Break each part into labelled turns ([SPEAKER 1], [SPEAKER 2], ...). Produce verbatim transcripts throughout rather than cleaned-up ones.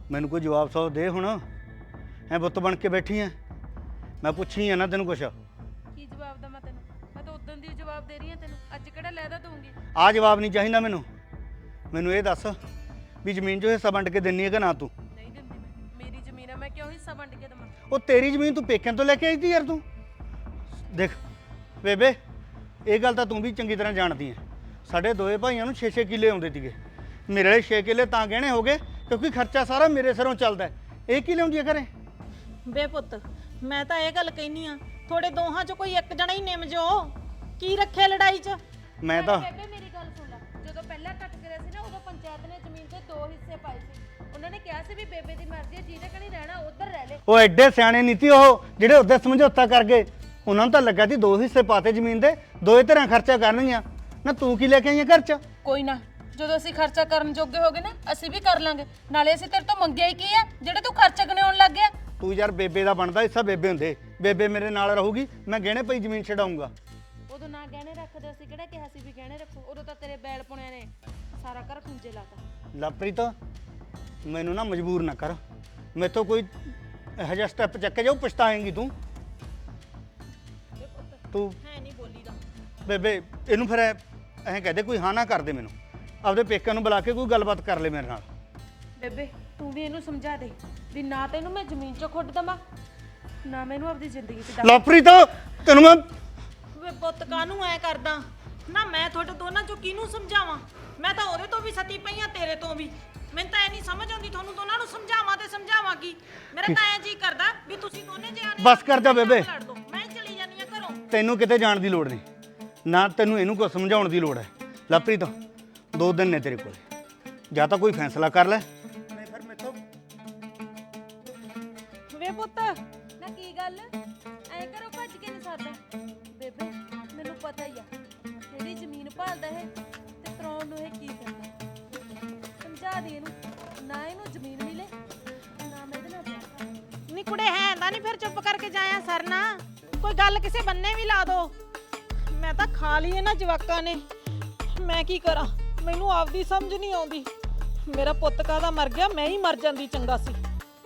[SPEAKER 1] ਮੈਨੂੰ ਕੋਈ ਜਵਾਬ ਸੌ ਦੇ ਹੁਣ। ਐ ਬੁੱਤ ਬਣ ਕੇ ਬੈਠੀ ਐ, ਮੈਂ ਪੁੱਛੀ ਆ ਨਾ ਤੈਨੂੰ ਕੁਛ।
[SPEAKER 2] ਕੀ ਜਵਾਬ ਦਵਾਂ ਤੈਨੂੰ? ਮੈਂ ਤਾਂ ਉਦੋਂ ਦੀ ਜਵਾਬ ਦੇ ਰਹੀ ਹਾਂ ਤੈਨੂੰ, ਅੱਜ ਕਿਹੜਾ ਲੈਦਾ ਦਊਂਗੀ?
[SPEAKER 1] ਆ ਜਵਾਬ ਨਹੀਂ ਚਾਹੀਦਾ ਮੈਨੂੰ। ਮੈਨੂੰ ਇਹ ਦੱਸ ਵੀ ਜ਼ਮੀਨ 'ਚੋਂ ਹਿੱਸਾ ਵੰਡ ਕੇ ਦਿੰਨੀ ਹੈ ਕਿ ਨਾ ਤੂੰ?
[SPEAKER 2] ਨਹੀਂ ਦਿੰਦੀ ਮੈਂ, ਮੇਰੀ ਜ਼ਮੀਨ ਆ, ਮੈਂ ਕਿਉਂ ਹਿੱਸਾ ਵੰਡ ਕੇ ਦੇਵਾਂ?
[SPEAKER 1] ਉਹ ਤੇਰੀ ਜ਼ਮੀਨ ਤੂੰ ਪੇਕਿਆਂ ਤੋਂ ਲੈ ਕੇ ਆਈ ਤੀ ਯਾਰ। ਤੂੰ ਦੇਖ ਬੇਬੇ, ਇਹ ਗੱਲ ਤਾਂ ਤੂੰ ਵੀ ਚੰਗੀ ਤਰ੍ਹਾਂ ਜਾਣਦੀ ਐ। ਸਾਡੇ ਦੋਏ ਭਾਈਆਂ ਨੂੰ ਛੇ ਛੇ ਕਿੱਲੇ ਆਉਂਦੇ ਸੀਗੇ। ਮੇਰੇ ਵਾਲੇ ਛੇ ਕਿੱਲੇ ਤਾਂ ਗਹਿਣੇ ਹੋ ਗਏ ਕਿਉਂਕਿ ਖਰਚਾ ਸਾਰਾ ਮੇਰੇ ਸਿਰੋਂ ਚੱਲਦਾ। ਇਹ ਕੀ ਲਿਆਉਂਦੀ ਹੈ ਘਰੇ?
[SPEAKER 3] ਬੇ ਪੁੱਤ, ਮੈਂ ਤਾਂ ਇਹ ਗੱਲ ਕਹਿਨੀ ਆ, ਥੋੜੇ ਦੋਹਾਂ ਚੋਂ ਕੋਈ ਇੱਕ ਜਣਾ ਹੀ ਨਿਮ ਜੋ। ਕੀ ਰੱਖਿਆ ਲੜਾਈ 'ਚ?
[SPEAKER 1] ਮੈਂ ਤਾਂ
[SPEAKER 2] ਬੇਬੇ ਮੇਰੀ ਗੱਲ ਸੁਣ ਲੈ, ਜਦੋਂ ਪਹਿਲਾਂ ਕੱਟ ਕਰਿਆ ਸੀ ਨਾ ਉਦੋਂ ਪੰਚਾਇਤ ਨੇ ਜ਼ਮੀਨ ਦੇ ਦੋ ਹਿੱਸੇ ਪਾਏ ਸੀ। ਉਹਨਾਂ ਨੇ ਕਿਹਾ ਸੀ ਵੀ ਬੇਬੇ ਦੀ ਮਰਜ਼ੀ ਹੈ, ਜਿਹਦੇ ਕਣੀ ਰਹਿਣਾ ਉਧਰ ਰਹਿ ਲੈ।
[SPEAKER 1] ਉਹ ਐਡੇ ਸਿਆਣੇ ਨਹੀਂ ਤੀ ਉਹ ਜਿਹੜੇ ਉਹਦੇ ਸਮਝੌਤਾ ਕਰ ਗਏ। ਉਹਨਾਂ ਨੂੰ ਤਾਂ ਲੱਗਾ ਸੀ ਦੋ ਹਿੱਸੇ ਪਾਤੇ ਜ਼ਮੀਨ ਦੇ, ਦੋਏ ਤਰ੍ਹਾਂ ਖਰਚਾ ਕਰਨਗੀਆਂ ਨਾ। ਤੂੰ ਕੀ ਲੈ ਕੇ ਆਈ ਘਰ 'ਚ?
[SPEAKER 2] ਕੋਈ ਨਾ, ਜਦੋਂ ਅਸੀਂ ਖਰਚਾ ਕਰਨ ਜੋਗੇ ਹੋ ਗਏ ਨਾ ਅਸੀਂ ਵੀ ਕਰ ਲਾਂਗੇ। ਨਾਲੇ ਅਸੀਂ ਤੇਰੇ ਤੋਂ ਮੰਗਿਆ ਹੀ ਕੀ ਆ ਜਿਹੜੇ ਤੂੰ ਖਰਚਾ ਗਣਾਉਣ ਲੱਗ ਗਿਆ?
[SPEAKER 1] ਤੂੰ ਯਾਰ ਬੇਬੇ ਦਾ ਬਣਦਾ ਹਿੱਸਾ ਬੇਬੇ ਹੁੰਦੇ। ਬੇਬੇ ਮੇਰੇ ਨਾਲ ਰਹੂਗੀ, ਮੈਂ ਗਹਿਣੇ ਪਈ ਜ਼ਮੀਨ ਛਡਾਊਂਗਾ।
[SPEAKER 2] ਉਦੋਂ ਨਾ ਗਹਿਣੇ ਰੱਖਦੇ, ਅਸੀਂ ਕਿਹੜਾ ਕਿਹਾ ਸੀ ਵੀ ਗਹਿਣੇ ਰੱਖੋ? ਉਦੋਂ ਤਾਂ ਤੇਰੇ ਬੈਲ ਪੁਣਿਆਂ ਨੇ ਸਾਰਾ ਘਰ ਖੁੰਝੇ ਲਾਤਾ।
[SPEAKER 1] ਲਵਪ੍ਰੀਤ, ਮੈਨੂੰ ਨਾ ਮਜਬੂਰ ਨਾ ਕਰ। ਮੈਥੋਂ ਕੋਈ ਇਹੋ ਜਿਹਾ ਸਟੈਪ ਚੱਕ ਕੇ ਜਾਊ, ਪਛਤਾਏਂਗੀ ਤੂੰ। ਤੂੰ
[SPEAKER 3] ਹੈ ਨਹੀਂ ਬੋਲੀ ਦਾ।
[SPEAKER 1] ਬੇਬੇ ਇਹਨੂੰ ਫਿਰ ਐਂ ਕਹਦੇ ਕੋਈ ਹਾਂ ਨਾ ਕਰ ਦੇ ਮੈਨੂੰ। ਆਪਦੇ ਪੇਕਿਆਂ ਨੂੰ ਬੁਲਾ ਕੇ ਕੋਈ ਗੱਲਬਾਤ ਕਰ ਲੈ ਮੇਰੇ ਨਾਲ।
[SPEAKER 2] ਬੇਬੇ ਤੂੰ ਵੀ ਇਹਨੂੰ ਸਮਝਾ ਦੇ ਵੀ ਨਾ ਤੈਨੂੰ ਮੈਂ ਜ਼ਮੀਨ 'ਚੋਂ ਖੁੱਟ ਦਵਾਂ, ਨਾ ਮੈਨੂੰ ਆਪਣੀ ਜ਼ਿੰਦਗੀ 'ਚ ਦਮ।
[SPEAKER 1] ਲਵਪ੍ਰੀਤ ਤੈਨੂੰ ਮੈਂ
[SPEAKER 3] ਵੇ ਪੁੱਤ, ਕਾਹਨੂੰ ਐ ਕਰਦਾ ਨਾ? ਮੈਂ ਤੁਹਾਡੇ ਦੋਨਾਂ ਚੋਂ ਕਿਹਨੂੰ ਸਮਝਾਵਾਂ? ਮੈਂ ਤਾਂ ਉਹਦੇ ਤੋਂ ਵੀ ਸਤੀ ਪਈ ਆ, ਤੇਰੇ ਤੋਂ ਵੀ। ਮੈਨੂੰ ਤਾਂ ਐ ਨਹੀਂ ਸਮਝ ਆਉਂਦੀ ਤੁਹਾਨੂੰ ਦੋਨਾਂ ਨੂੰ ਸਮਝਾਵਾਂ ਤੇ ਸਮਝਾਵਾਂ ਕੀ। ਮੇਰਾ ਤਾਂ ਐ ਜੀ ਕਰਦਾ ਵੀ ਤੁਸੀਂ ਦੋਨੇ ਜਿਆਣੇ
[SPEAKER 1] ਬਸ ਕਰ ਜਾ ਬੇਬੇ।
[SPEAKER 3] ਲੜ ਦੋ, ਮੈਂ ਚਲੀ ਜਾਨੀ ਆ ਘਰੋਂ।
[SPEAKER 1] ਤੈਨੂੰ ਕਿਤੇ ਜਾਣ ਦੀ ਲੋੜ ਨਹੀਂ, ਨਾ ਤੈਨੂੰ ਇਹਨੂੰ ਕੁਝ ਸਮਝਾਉਣ ਦੀ ਲੋੜ ਹੈ। ਲਵਪ੍ਰੀਤ ਦੋ ਦਿਨ ਨੇ ਤੇਰੇ ਕੋਲ, ਜਾਂ ਤਾਂ ਕੋਈ ਫੈਸਲਾ ਕਰ ਲੈ ਨਹੀਂ ਫਿਰ ਮੈਥੋਂ।
[SPEAKER 3] ਵੇ ਪੁੱਤ,
[SPEAKER 2] ਨਾ ਕੀ ਗੱਲ ਐ ਕਰੋ ਭੱਜ ਕੇ ਨਹੀਂ ਸਕਦਾ? ਬੇਬੇ ਮੈਨੂੰ ਪਤਾ ਹੀ ਆ ਕਿਹੜੀ ਜ਼ਮੀਨ ਭਾਲਦਾ ਇਹ ਤੇ ਕਰਾਉਣ ਨੂੰ ਇਹ ਕੀ ਕਰਦਾ। ਸਮਝਾ ਦੇ ਇਹਨੂੰ, ਨਾ ਇਹਨੂੰ ਜ਼ਮੀਨ ਮਿਲੇ ਨਾ ਮੈਂ ਇਹਦੇ ਨਾਲ ਵਿਆਹ ਕਰਾਂ।
[SPEAKER 3] ਨੀ ਕੁੜੇ ਹੈ ਤਾਂ ਨਹੀਂ ਫਿਰ ਚੁੱਪ ਕਰਕੇ ਜਾਇਆ ਸਰਨਾ? ਕੋਈ ਗੱਲ ਕਿਸੇ ਬੰਨੇ ਵੀ ਲਾ ਦੋ। ਮੈਂ ਤਾਂ ਖਾ ਲਈ ਇਹਨਾਂ ਜਵਾਕਾਂ ਨੇ। ਮੈਂ ਕੀ ਕਰਾਂ, ਮੈਨੂੰ ਆਪਦੀ ਸਮਝ ਨਹੀਂ ਆਉਂਦੀ। ਮੇਰਾ ਪੁੱਤ ਕਾਹਦਾ ਮਰ ਗਿਆ, ਮੈਂ ਹੀ ਮਰ ਜਾਂਦੀ ਚੰਗਾ ਸੀ।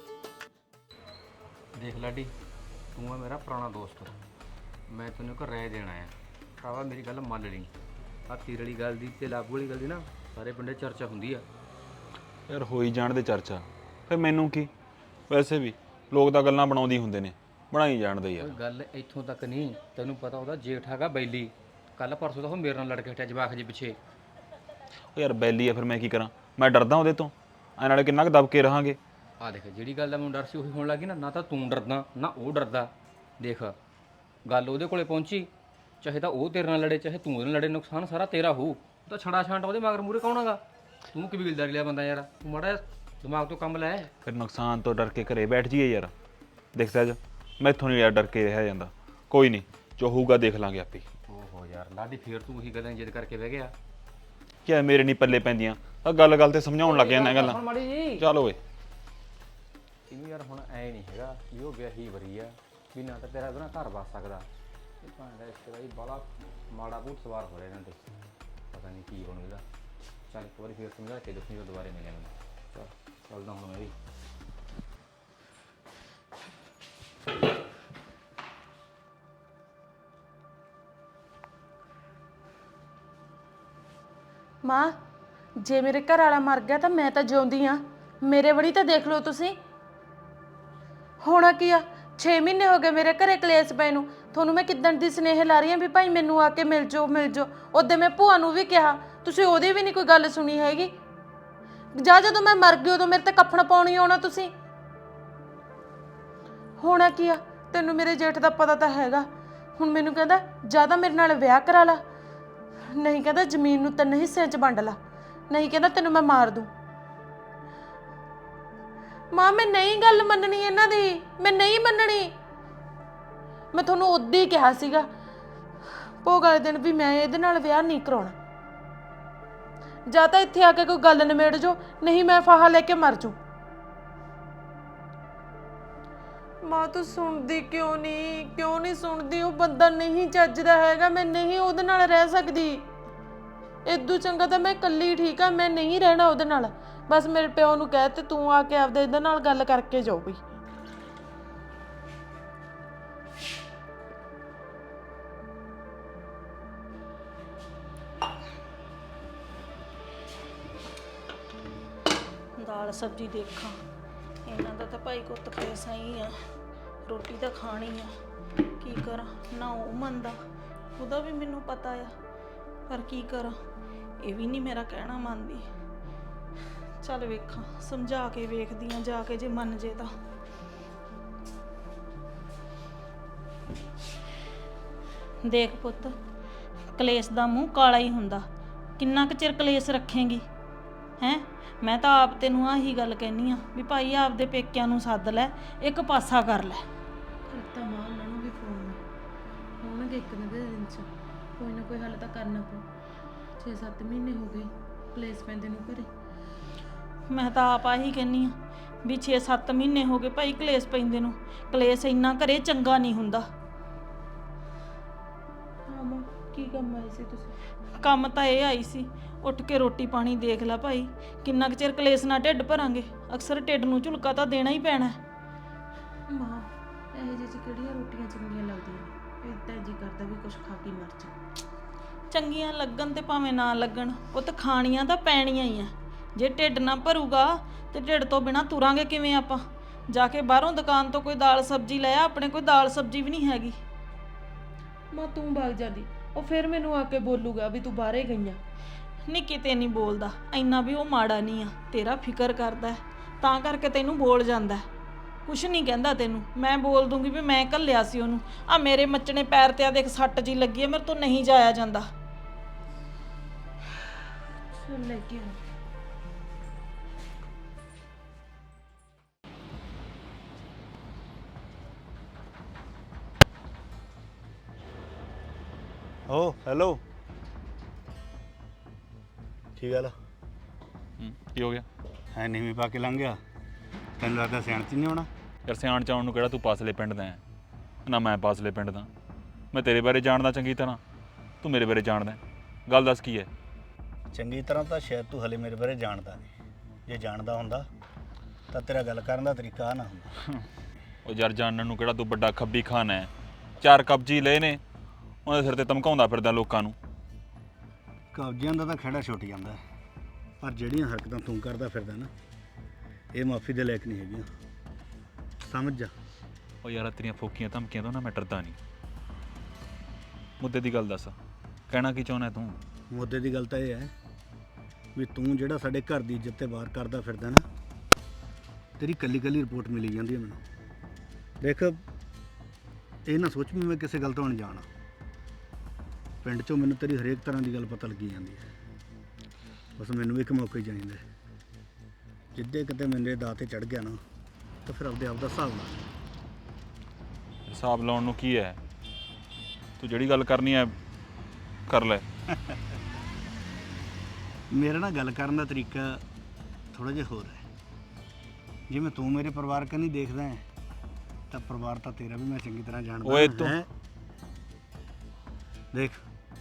[SPEAKER 4] ਦੇਖ ਲਾਡੀ, ਤੂੰ ਆ ਮੇਰਾ ਪੁਰਾਣਾ ਦੋਸਤ, ਮੈਂ ਤੈਨੂੰ ਇੱਕ ਰਾਏ ਦੇਣ ਆਇਆ। ਭਰਾਵਾ ਮੇਰੀ ਗੱਲ ਮੰਨ ਲਈ। ਆ ਤੀਰ ਵਾਲੀ ਗੱਲ ਦੀ ਤੇ ਲਾਗੂ ਵਾਲੀ ਗੱਲ ਦੀ ਨਾ ਸਾਰੇ ਪਿੰਡੇ ਚਰਚਾ ਹੁੰਦੀ ਆ।
[SPEAKER 5] ਯਾਰ ਹੋਈ ਜਾਣ ਦੇ ਚਰਚਾ, ਫਿਰ ਮੈਨੂੰ ਕੀ? ਵੈਸੇ ਵੀ ਲੋਕ ਤਾਂ ਗੱਲਾਂ ਬਣਾਉਂਦੇ ਹੁੰਦੇ ਨੇ, ਬਣਾਈ ਜਾਣਦੇ ਯਾਰ।
[SPEAKER 4] ਕੋਈ ਗੱਲ ਇੱਥੋਂ ਤੱਕ ਨਹੀਂ, ਤੈਨੂੰ ਪਤਾ ਉਹਦਾ ਜੇਠ ਹੈਗਾ ਬੈਲੀ। ਕੱਲ ਪਰਸੋਂ ਤਾਂ ਉਹ ਮੇਰੇ ਨਾਲ ਲੜ ਕੇ ਹਟਿਆ ਜਵਾਕ ਜੀ ਪਿੱਛੇ।
[SPEAKER 5] ਉਹ ਯਾਰ ਬੈਲੀ ਆ, ਫਿਰ ਮੈਂ ਕੀ ਕਰਾਂ? ਮੈਂ ਡਰਦਾ ਉਹਦੇ ਤੋਂ। ਐ ਨਾਲੇ ਕਿੰਨਾ ਕੁ ਦਬ ਕੇ ਰਹਾਂਗੇ।
[SPEAKER 4] ਆ ਦੇਖ, ਜਿਹੜੀ ਗੱਲ ਦਾ ਮੈਨੂੰ ਡਰ ਸੀ ਉਹੀ ਹੋਣ ਲੱਗੀ ਨਾ। ਨਾ ਤਾਂ ਤੂੰ ਡਰਦਾ ਨਾ ਉਹ ਡਰਦਾ। ਦੇਖ ਗੱਲ ਉਹਦੇ ਕੋਲੇ ਪਹੁੰਚੀ, ਚਾਹੇ ਤਾਂ ਉਹ ਤੇਰੇ ਨਾਲ ਲੜੇ ਚਾਹੇ ਤੂੰ ਉਹਦੇ ਨਾਲ ਲੜੇ, ਨੁਕਸਾਨ ਸਾਰਾ ਤੇਰਾ ਹੋਊ। ਤਾਂ ਛੜਾ ਛਾਂਟ ਉਹਦੇ ਮਗਰ ਮੂਰੇ ਕੌਣ ਹੈਗਾ? ਤੂੰ ਕਬੀਲਦਾਰੀ ਲਿਆ ਬੰਦਾ ਯਾਰ, ਤੂੰ ਮਾੜਾ ਦਿਮਾਗ ਤੋਂ ਕੰਮ ਲੈ।
[SPEAKER 5] ਫਿਰ ਨੁਕਸਾਨ ਤੋਂ ਡਰ ਕੇ ਘਰੇ ਬੈਠ ਜਾਈਏ ਯਾਰ। ਦੇਖ ਸਹਿਜ, ਮੈਥੋਂ ਨਹੀਂ ਯਾਰ ਡਰ ਕੇ ਰਿਹਾ ਜਾਂਦਾ। ਕੋਈ ਨਹੀਂ, ਜੋ ਹੋਊਗਾ ਦੇਖ ਲਾਂਗੇ ਆਪੇ।
[SPEAKER 4] ਓਹੋ ਯਾਰ ਲਾਡੀ, ਫੇਰ ਤੂੰ ਉਹੀ ਗੱਲਾਂ ਜਿੱਦ ਕਰਕੇ ਬਹਿ ਗਿਆ।
[SPEAKER 5] ਕਿਆ ਮੇਰੇ ਨਹੀਂ ਪੱਲੇ ਪੈਂਦੀਆਂ? ਆ ਗੱਲ ਗੱਲ ਤੇ ਸਮਝਾਉਣ ਲੱਗ ਜਾਂਦਾ ਗੱਲਾਂ।
[SPEAKER 4] ਮਾੜੀ ਜੀ
[SPEAKER 5] ਚੱਲ ਓਏ।
[SPEAKER 4] ਇਹਨੂੰ ਯਾਰ ਹੁਣ ਐ ਨਹੀਂ ਹੈਗਾ ਵੀ ਉਹ ਵਿਆਹੀ ਵਰੀ ਆ, ਵੀ ਨਾ ਤਾਂ ਤੇਰਾ ਉਹਦੇ ਨਾਲ ਘਰ ਵਸ ਸਕਦਾ। ਇਹ ਭਾਂਡਾ ਰਿਸ਼ਤੇਦਾਰੀ ਬੜਾ ਮਾੜਾ ਭੂਤ ਸਵਾਰ ਹੋ ਰਿਹਾ ਇਹਨਾਂ ਤੇ, ਪਤਾ ਨਹੀਂ ਕੀ ਬਣੂ ਇਹਦਾ। ਚੱਲ ਇੱਕ ਵਾਰੀ ਫੇਰ ਸਮਝਾ ਕੇ ਦੇਖੀ, ਦੁਬਾਰੇ ਮਿਲਿਆ ਮੈਨੂੰ। ਚੱਲ ਚੱਲਦਾ ਹੁਣ ਮੈਂ ਵੀ।
[SPEAKER 2] ਮਾਂ, ਜੇ ਮੇਰੇ ਘਰ ਵਾਲਾ ਮਰ ਗਿਆ ਤਾਂ ਮੈਂ ਤਾਂ ਜਿਉਂਦੀ ਆ। ਮੇਰੇ ਵੜੀ ਤਾਂ ਦੇਖ ਲਓ ਤੁਸੀਂ। ਹੋਣਾ ਕੀ ਆ, ਛੇ ਮਹੀਨੇ ਹੋ ਗਏ ਮੇਰੇ ਘਰੇ ਕਲੇਸ਼ ਪਏ ਨੂੰ। ਤੁਹਾਨੂੰ ਮੈਂ ਕਿੱਦਣ ਦੀ ਸਨੇਹ ਲਾ ਰਹੀ ਆ ਵੀ ਭਾਈ ਮੈਨੂੰ ਆ ਕੇ ਮਿਲ ਜਾਓ ਮਿਲ ਜਾਓ। ਉਦੋਂ ਮੈਂ ਭੂਆ ਨੂੰ ਵੀ ਕਿਹਾ, ਤੁਸੀਂ ਉਹਦੀ ਵੀ ਨਹੀਂ ਕੋਈ ਗੱਲ ਸੁਣੀ ਹੈਗੀ। ਜਾਂ ਜਦੋਂ ਮੈਂ ਮਰ ਗਈ ਉਦੋਂ ਮੇਰੇ ਤੇ ਕੱਫਣ ਪਾਉਣੀ ਆਉਣਾ ਤੁਸੀਂ। ਹੋਣਾ ਕੀ ਆ, ਤੈਨੂੰ ਮੇਰੇ ਜੇਠ ਦਾ ਪਤਾ ਤਾਂ ਹੈਗਾ। ਹੁਣ ਮੈਨੂੰ ਕਹਿੰਦਾ ਜਾਂ ਤਾਂ ਮੇਰੇ ਨਾਲ ਵਿਆਹ ਕਰਾ ਲਾ, ਨਹੀਂ ਕਹਿੰਦਾ ਜ਼ਮੀਨ ਨੂੰ ਤਿੰਨ ਹਿੱਸਿਆਂ 'ਚ ਵੰਡ ਲਾ, ਨਹੀਂ ਕਹਿੰਦਾ ਤੈਨੂੰ ਮੈਂ ਮਾਰ ਦੂੰ। ਮਾਂ ਮੈਂ ਨਹੀਂ ਗੱਲ ਮੰਨਣੀ ਇਹਨਾਂ ਦੀ, ਮੈਂ ਨਹੀਂ ਮੰਨਣੀ। ਮੈਂ ਤੁਹਾਨੂੰ ਉਦੋਂ ਹੀ ਕਿਹਾ ਸੀਗਾ ਭੋਗ ਵਾਲੇ ਦਿਨ ਵੀ ਮੈਂ ਇਹਦੇ ਨਾਲ ਵਿਆਹ ਨਹੀਂ ਕਰਾਉਣਾ। ਜਾਂ ਤਾਂ ਇੱਥੇ ਆ ਕੇ ਕੋਈ ਗੱਲ ਨਿਬੇੜ ਜੋ, ਨਹੀਂ ਮੈਂ ਫਾਹਾ ਲੈ ਕੇ ਮਰ ਜੂ। ਮਾਂ ਤੂੰ ਸੁਣਦੀ ਕਿਉਂ ਨਹੀਂ? ਕਿਉਂ ਨਹੀਂ ਸੁਣਦੀ? ਉਹ ਬੰਦਾ ਨਹੀਂ ਚੱਜਦਾ ਹੈਗਾ, ਮੈਂ ਨਹੀਂ ਉਹਦੇ ਨਾਲ ਰਹਿ ਸਕਦੀ। ਇਦੋਂ ਚੰਗਾ ਤਾਂ ਮੈਂ ਇਕੱਲੀ ਠੀਕ ਆ, ਮੈਂ ਨਹੀਂ ਰਹਿਣਾ ਉਹਦੇ ਨਾਲ। ਬਸ ਮੇਰੇ ਪਿਓ ਨੂੰ ਕਹਿ ਤੇ ਤੂੰ ਆ ਕੇ ਆਪਦੇ ਇਹਦੇ ਨਾਲ ਗੱਲ ਕਰਕੇ ਜਾਓ ਬਈ।
[SPEAKER 3] ਦਾਲ ਸਬਜ਼ੀ ਦੇਖਾਂ, ਇਹਨਾਂ ਦਾ ਤਾਂ ਭਾਈ ਕੁੱਤ ਪੈਸਾ ਹੀ ਆ, ਰੋਟੀ ਤਾਂ ਖਾਣੀ ਆ। ਕੀ ਕਰਾਂ, ਨਾ ਉਹ ਮੰਨਦਾ, ਉਹਦਾ ਵੀ ਮੈਨੂੰ ਪਤਾ ਆ, ਪਰ ਕੀ ਕਰਾਂ, ਇਹ ਵੀ ਨਹੀਂ ਮੇਰਾ ਕਹਿਣਾ ਮੰਨਦੀ। ਚੱਲ ਵੇਖਾਂ, ਸਮਝਾ ਕੇ ਵੇਖਦੀ ਆ ਜਾ ਕੇ, ਜੇ ਮੰਨ ਜੇ ਤਾਂ। ਦੇਖ ਪੁੱਤ, ਕਲੇਸ਼ ਦਾ ਮੂੰਹ ਕਾਲਾ ਹੀ ਹੁੰਦਾ, ਕਿੰਨਾ ਕੁ ਚਿਰ ਕਲੇਸ਼ ਰੱਖੇਂਗੀ ਹੈਂ। ਮੈਂ ਤਾਂ ਆਪ ਤੈਨੂੰ ਆਹੀ ਗੱਲ ਕਹਿਨੀ ਆ ਵੀ ਭਾਈ ਆਪਦੇ ਪੇਕਿਆਂ ਨੂੰ ਸੱਦ ਲੈ, ਇੱਕ ਪਾਸਾ ਕਰ ਲੈ।
[SPEAKER 2] ਤਾਂ ਮਾਂ ਉਹਨਾਂ ਨੂੰ ਵੀ ਫੋਨ ਹੋਣਗੇ ਇੱਕ ਦਿਨ ਦੇ ਦਿਨ 'ਚ, ਕੋਈ ਨਾ ਕੋਈ ਹੱਲ ਤਾਂ ਕਰਨਾ ਪਊ। ਛੇ ਸੱਤ ਮਹੀਨੇ ਹੋ ਗਏ ਕਲੇਸ਼ ਪੈਂਦੇ ਨੂੰ ਘਰੇ।
[SPEAKER 3] ਮੈਂ ਤਾਂ ਆਪ ਆਹੀ ਕਹਿੰਨੀ ਆ ਵੀ ਛੇ ਸੱਤ ਮਹੀਨੇ ਹੋ ਗਏ ਭਾਈ ਕਲੇਸ਼ ਪੈਂਦੇ ਨੂੰ। ਕਲੇਸ਼ ਇੰਨਾ ਘਰੇ ਚੰਗਾ ਨਹੀਂ ਹੁੰਦਾ।
[SPEAKER 2] ਹਾਂ ਮਾਂ, ਕੀ ਕੰਮ ਆਈ ਸੀ ਤੁਸੀਂ?
[SPEAKER 3] ਕੰਮ ਤਾਂ ਇਹ ਆਈ ਸੀ, ਉੱਠ ਕੇ ਰੋਟੀ ਪਾਣੀ ਦੇਖ ਲੈ ਭਾਈ, ਕਿੰਨਾ ਕੁ ਚਿਰ ਕਲੇਸ਼ ਨਾਲ ਢਿੱਡ ਭਰਾਂਗੇ, ਅਕਸਰ ਢਿੱਡ ਨੂੰ ਝੁਲਕਾ ਤਾਂ ਦੇਣਾ ਹੀ ਪੈਣਾ।
[SPEAKER 2] ਮਾਂ ਇਹੋ ਜਿਹੀ 'ਚ ਕਿਹੜੀਆਂ ਰੋਟੀਆਂ ਚੰਗੀਆਂ ਲੱਗਦੀਆਂ ਨੇ, ਇਦਾਂ ਜੀ ਕਰਦਾ ਵੀ ਕੁਛ ਖਾ ਕੇ ਮਰ ਜਾ।
[SPEAKER 3] ਚੰਗੀਆਂ ਲੱਗਣ ਤੇ ਭਾਵੇਂ ਨਾ ਲੱਗਣ, ਉਹ ਤਾਂ ਖਾਣੀਆਂ ਤਾਂ ਪੈਣੀਆਂ ਹੀ ਆ। ਜੇ ਢਿੱਡ ਨਾ ਭਰੂਗਾ ਤੇ ਢਿੱਡ ਤੋਂ ਬਿਨਾ ਤੁਰਾਂਗੇ ਕਿਵੇਂ ਆਪਾਂ? ਜਾ ਕੇ ਬਾਹਰੋਂ ਦੁਕਾਨ ਤੋਂ ਕੋਈ ਦਾਲ ਸਬਜ਼ੀ ਲੈ ਆ, ਆਪਣੇ ਕੋਈ ਦਾਲ ਸਬਜ਼ੀ ਵੀ ਨਹੀਂ ਹੈਗੀ।
[SPEAKER 2] ਮਾਂ ਤੂੰ ਭਾਗ ਜਾਂਦੀ, ਉਹ ਫਿਰ ਮੈਨੂੰ ਆ ਕੇ ਬੋਲੂਗਾ ਵੀ ਤੂੰ ਬਾਹਰੇ ਗਈਆਂ।
[SPEAKER 3] ਨਹੀਂ ਕਿਤੇ ਨਹੀਂ ਬੋਲਦਾ, ਇੰਨਾ ਵੀ ਉਹ ਮਾੜਾ ਨਹੀਂ ਆ, ਤੇਰਾ ਫਿਕਰ ਕਰਦਾ ਤਾਂ ਕਰਕੇ ਤੈਨੂੰ ਬੋਲ ਜਾਂਦਾ, ਕੁਛ ਨਹੀਂ ਕਹਿੰਦਾ ਤੈਨੂੰ। ਮੈਂ ਬੋਲ ਦੂੰਗੀ ਵੀ ਮੈਂ ਘੱਲਿਆ ਸੀ ਉਹਨੂੰ, ਆ ਮੇਰੇ ਮੱਚਣੇ ਪੈਰ ਤੇ ਆ ਦੇਖ ਸੱਟ ਜੀ ਲੱਗੀ ਆ, ਮੇਰੇ ਤੋਂ ਨਹੀਂ ਜਾਇਆ ਜਾਂਦਾ।
[SPEAKER 2] ਚੱਲ ਲੈ ਕੇ ਆ।
[SPEAKER 1] ਓ ਹੈਲੋ, ਕੀ ਗੱਲ
[SPEAKER 5] ਹੂੰ, ਕੀ ਹੋ ਗਿਆ?
[SPEAKER 1] ਹੈ ਨੀਵੀਂ ਪਾ ਕੇ ਲੰਘ ਗਿਆ? ਤੈਨੂੰ ਲੱਗਦਾ ਸਿਆਣ ਚ ਨਹੀਂ ਆਉਣਾ?
[SPEAKER 5] ਯਾਰ ਸਿਆਣ ਚ ਆਉਣ ਨੂੰ ਕਿਹੜਾ ਤੂੰ ਪਾਸਲੇ ਪਿੰਡ ਦਾ ਹੈ? ਨਾ ਮੈਂ ਪਾਸਲੇ ਪਿੰਡ ਦਾ। ਮੈਂ ਤੇਰੇ ਬਾਰੇ ਜਾਣਦਾ ਚੰਗੀ ਤਰ੍ਹਾਂ, ਤੂੰ ਮੇਰੇ ਬਾਰੇ ਜਾਣਦਾ। ਗੱਲ ਦੱਸ ਕੀ ਹੈ?
[SPEAKER 1] ਚੰਗੀ ਤਰ੍ਹਾਂ ਤਾਂ ਸ਼ਾਇਦ ਤੂੰ ਹਲੇ ਮੇਰੇ ਬਾਰੇ ਜਾਣਦਾ ਨਹੀਂ। ਜੇ ਜਾਣਦਾ ਹੁੰਦਾ ਤਾਂ ਤੇਰਾ ਗੱਲ ਕਰਨ ਦਾ ਤਰੀਕਾ ਆਹ ਨਾ ਹੁੰਦਾ।
[SPEAKER 5] ਉਹ ਯਾਰ ਜਾਣਨ ਨੂੰ ਕਿਹੜਾ ਤੂੰ ਵੱਡਾ ਖੱਬੀ ਖਾਨ ਹੈ? ਚਾਰ ਕਬਜੀ ਲਏ ਨੇ, ਉਹਦੇ ਸਿਰ ਤੇ ਧਮਕਾਉਂਦਾ ਫਿਰਦਾ ਲੋਕਾਂ ਨੂੰ।
[SPEAKER 1] ਕਬਜ਼ਿਆਂ ਦਾ ਤਾਂ ਖਹਿੜਾ ਛੁੱਟ ਜਾਂਦਾ, ਪਰ ਜਿਹੜੀਆਂ ਹਰਕਤਾਂ ਤੂੰ ਕਰਦਾ ਫਿਰਦਾ ਨਾ, ਇਹ ਮਾਫੀ ਦੇ ਲਾਇਕ ਨਹੀਂ ਹੈਗੀਆਂ, ਸਮਝ ਜਾ।
[SPEAKER 5] ਉਹ ਯਾਰ ਤੇਰੀਆਂ ਫੋਕੀਆਂ ਧਮਕੀਆਂ ਤੋਂ ਨਾ ਮੈਂ ਡਰਦਾ ਨਹੀਂ। ਮੁੱਦੇ ਦੀ ਗੱਲ ਦੱਸ, ਕਹਿਣਾ ਕੀ ਚਾਹੁੰਦਾ ਤੂੰ?
[SPEAKER 1] ਮੁੱਦੇ ਦੀ ਗੱਲ ਤਾਂ ਇਹ ਹੈ ਵੀ ਤੂੰ ਜਿਹੜਾ ਸਾਡੇ ਘਰ ਦੀ ਇੱਜ਼ਤ ਤੇ ਵਾਰ ਕਰਦਾ ਫਿਰਦਾ ਨਾ, ਤੇਰੀ ਕੱਲੀ ਕੱਲੀ ਰਿਪੋਰਟ ਮਿਲੀ ਜਾਂਦੀ ਹੈ ਮੈਨੂੰ। ਦੇਖ, ਇਹ ਨਾ ਸੋਚ ਵੀ ਮੈਂ ਕਿਸੇ ਗੱਲ ਤੋਂ ਅਣਜਾਣ ਹਾਂ। ਪਿੰਡ 'ਚੋਂ ਮੈਨੂੰ ਤੇਰੀ ਹਰੇਕ ਤਰ੍ਹਾਂ ਦੀ ਗੱਲ ਪਤਾ ਲੱਗੀ ਜਾਂਦੀ ਹੈ। ਬਸ ਮੈਨੂੰ ਵੀ ਇੱਕ ਮੌਕਾ ਹੀ ਚਾਹੀਦਾ। ਜਿੱਦੇ ਕਿਤੇ ਮੇਰੇ ਦਾਅ ਤੇ ਚੜ ਗਿਆ ਨਾ, ਤਾਂ ਫਿਰ ਆਪਦੇ ਆਪ ਦਾ ਹਿਸਾਬ ਲਾ।
[SPEAKER 5] ਹਿਸਾਬ ਲਾਉਣ ਨੂੰ ਕੀ ਹੈ? ਤੂੰ ਜਿਹੜੀ ਗੱਲ ਕਰਨੀ ਹੈ ਕਰ ਲੈ।
[SPEAKER 1] ਮੇਰਾ ਨਾ ਗੱਲ ਕਰਨ ਦਾ ਤਰੀਕਾ ਥੋੜ੍ਹਾ ਜਿਹਾ ਹੋਰ ਹੈ। ਜਿਵੇਂ ਤੂੰ ਮੇਰੇ ਪਰਿਵਾਰ ਕੰਨੀ ਦੇਖਦਾ ਹੈ, ਤਾਂ ਪਰਿਵਾਰ ਤਾਂ ਤੇਰਾ ਵੀ ਮੈਂ ਚੰਗੀ ਤਰ੍ਹਾਂ ਜਾਣਦਾ।
[SPEAKER 5] ਓਏ ਤੂੰ
[SPEAKER 1] ਹੈਂ? ਦੇਖ,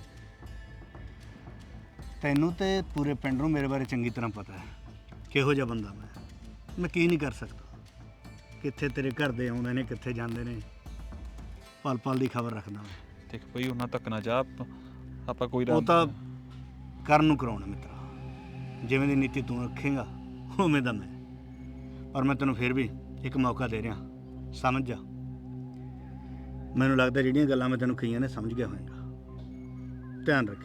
[SPEAKER 1] ਤੈਨੂੰ ਤੇ ਪੂਰੇ ਪਿੰਡ ਨੂੰ ਮੇਰੇ ਬਾਰੇ ਚੰਗੀ ਤਰ੍ਹਾਂ ਪਤਾ ਹੈ ਕਿਹੋ ਜਿਹਾ ਬੰਦਾ ਮੈਂ ਮੈਂ ਕੀ ਨਹੀਂ ਕਰ ਸਕਦਾ। ਕਿੱਥੇ ਤੇਰੇ ਘਰ ਦੇ ਆਉਂਦੇ ਨੇ, ਕਿੱਥੇ ਜਾਂਦੇ ਨੇ, ਪਲ ਪਲ ਦੀ ਖਬਰ ਰੱਖਦਾ ਮੈਂ।
[SPEAKER 5] ਦੇਖ ਬਈ ਉਹਨਾਂ ਤੱਕ ਨਾ ਜਾ, ਆਪਾਂ ਕੋਈ
[SPEAKER 1] ਉਹ ਤਾਂ ਕਰਨ ਨੂੰ ਕਰਾਉਣਾ ਮਿੱਤਰਾ। ਜਿਵੇਂ ਦੀ ਨੀਤੀ ਤੂੰ ਰੱਖੇਂਗਾ ਉਵੇਂ ਦਾ ਮੈਂ। ਪਰ ਮੈਂ ਤੈਨੂੰ ਫਿਰ ਵੀ ਇੱਕ ਮੌਕਾ ਦੇ ਰਿਹਾ, ਸਮਝ ਜਾ। ਮੈਨੂੰ ਲੱਗਦਾ ਜਿਹੜੀਆਂ ਗੱਲਾਂ ਮੈਂ ਤੈਨੂੰ ਕਹੀਆਂ ਨੇ ਸਮਝ ਗਿਆ ਹੋਵੇਗਾ। ਧਿਆਨ ਰੱਖੀ।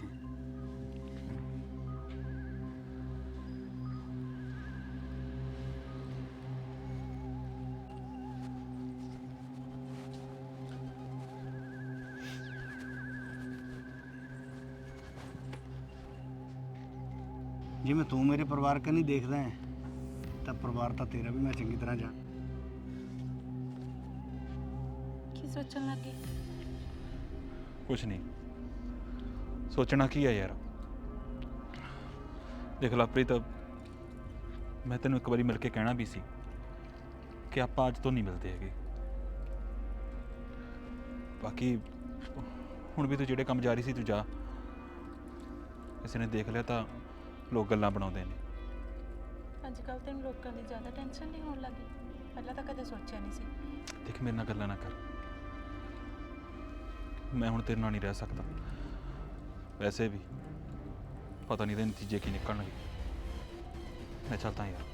[SPEAKER 1] ਜਿਵੇਂ ਤੂੰ ਮੇਰੇ ਪਰਿਵਾਰ ਕੰਨੀ ਦੇਖਦਾ ਹੈ, ਤਾਂ ਪਰਿਵਾਰ ਤਾਂ ਤੇਰਾ ਵੀ ਮੈਂ ਚੰਗੀ ਤਰ੍ਹਾਂ ਜਾਣ।
[SPEAKER 3] ਕੀ ਸੋਚਣ ਲੱਗੇ?
[SPEAKER 5] ਕੁਛ ਨਹੀਂ ਸੋਚਣਾ ਕੀ ਹੈ ਯਾਰ। ਦੇਖ ਲਵਪ੍ਰੀਤ, ਮੈਂ ਤੈਨੂੰ ਇੱਕ ਵਾਰੀ ਮਿਲ ਕੇ ਕਹਿਣਾ ਵੀ ਸੀ ਕਿ ਆਪਾਂ ਅੱਜ ਤੋਂ ਨਹੀਂ ਮਿਲਦੇ ਹੈਗੇ। ਬਾਕੀ ਹੁਣ ਵੀ ਤੂੰ ਜਿਹੜੇ ਕੰਮ ਜਾ ਰਹੀ ਸੀ ਤੂੰ ਜਾ। ਕਿਸੇ ਨੇ ਦੇਖ ਲਿਆ ਤਾਂ ਲੋਕ ਗੱਲਾਂ ਬਣਾਉਂਦੇ ਨੇ।
[SPEAKER 2] ਅੱਜ ਕੱਲ੍ਹ ਤੈਨੂੰ ਲੋਕਾਂ ਦੀ ਜ਼ਿਆਦਾ ਟੈਨਸ਼ਨ ਨਹੀਂ ਹੋਣ ਲੱਗੀ? ਪਹਿਲਾਂ ਤਾਂ ਕਦੇ ਸੋਚਿਆ ਨਹੀਂ ਸੀ।
[SPEAKER 5] ਦੇਖ ਮੇਰੇ ਨਾਲ ਗੱਲਾਂ ਨਾ ਕਰ, ਮੈਂ ਹੁਣ ਤੇਰੇ ਨਾਲ ਨਹੀਂ ਰਹਿ ਸਕਦਾ। ਵੈਸੇ ਵੀ ਪਤਾ ਨਹੀਂ ਦੇ ਨਤੀਜੇ ਕੀ ਨਿਕਲਣਗੇ। ਮੈਂ ਚੱਲਦਾ ਯਾਰ।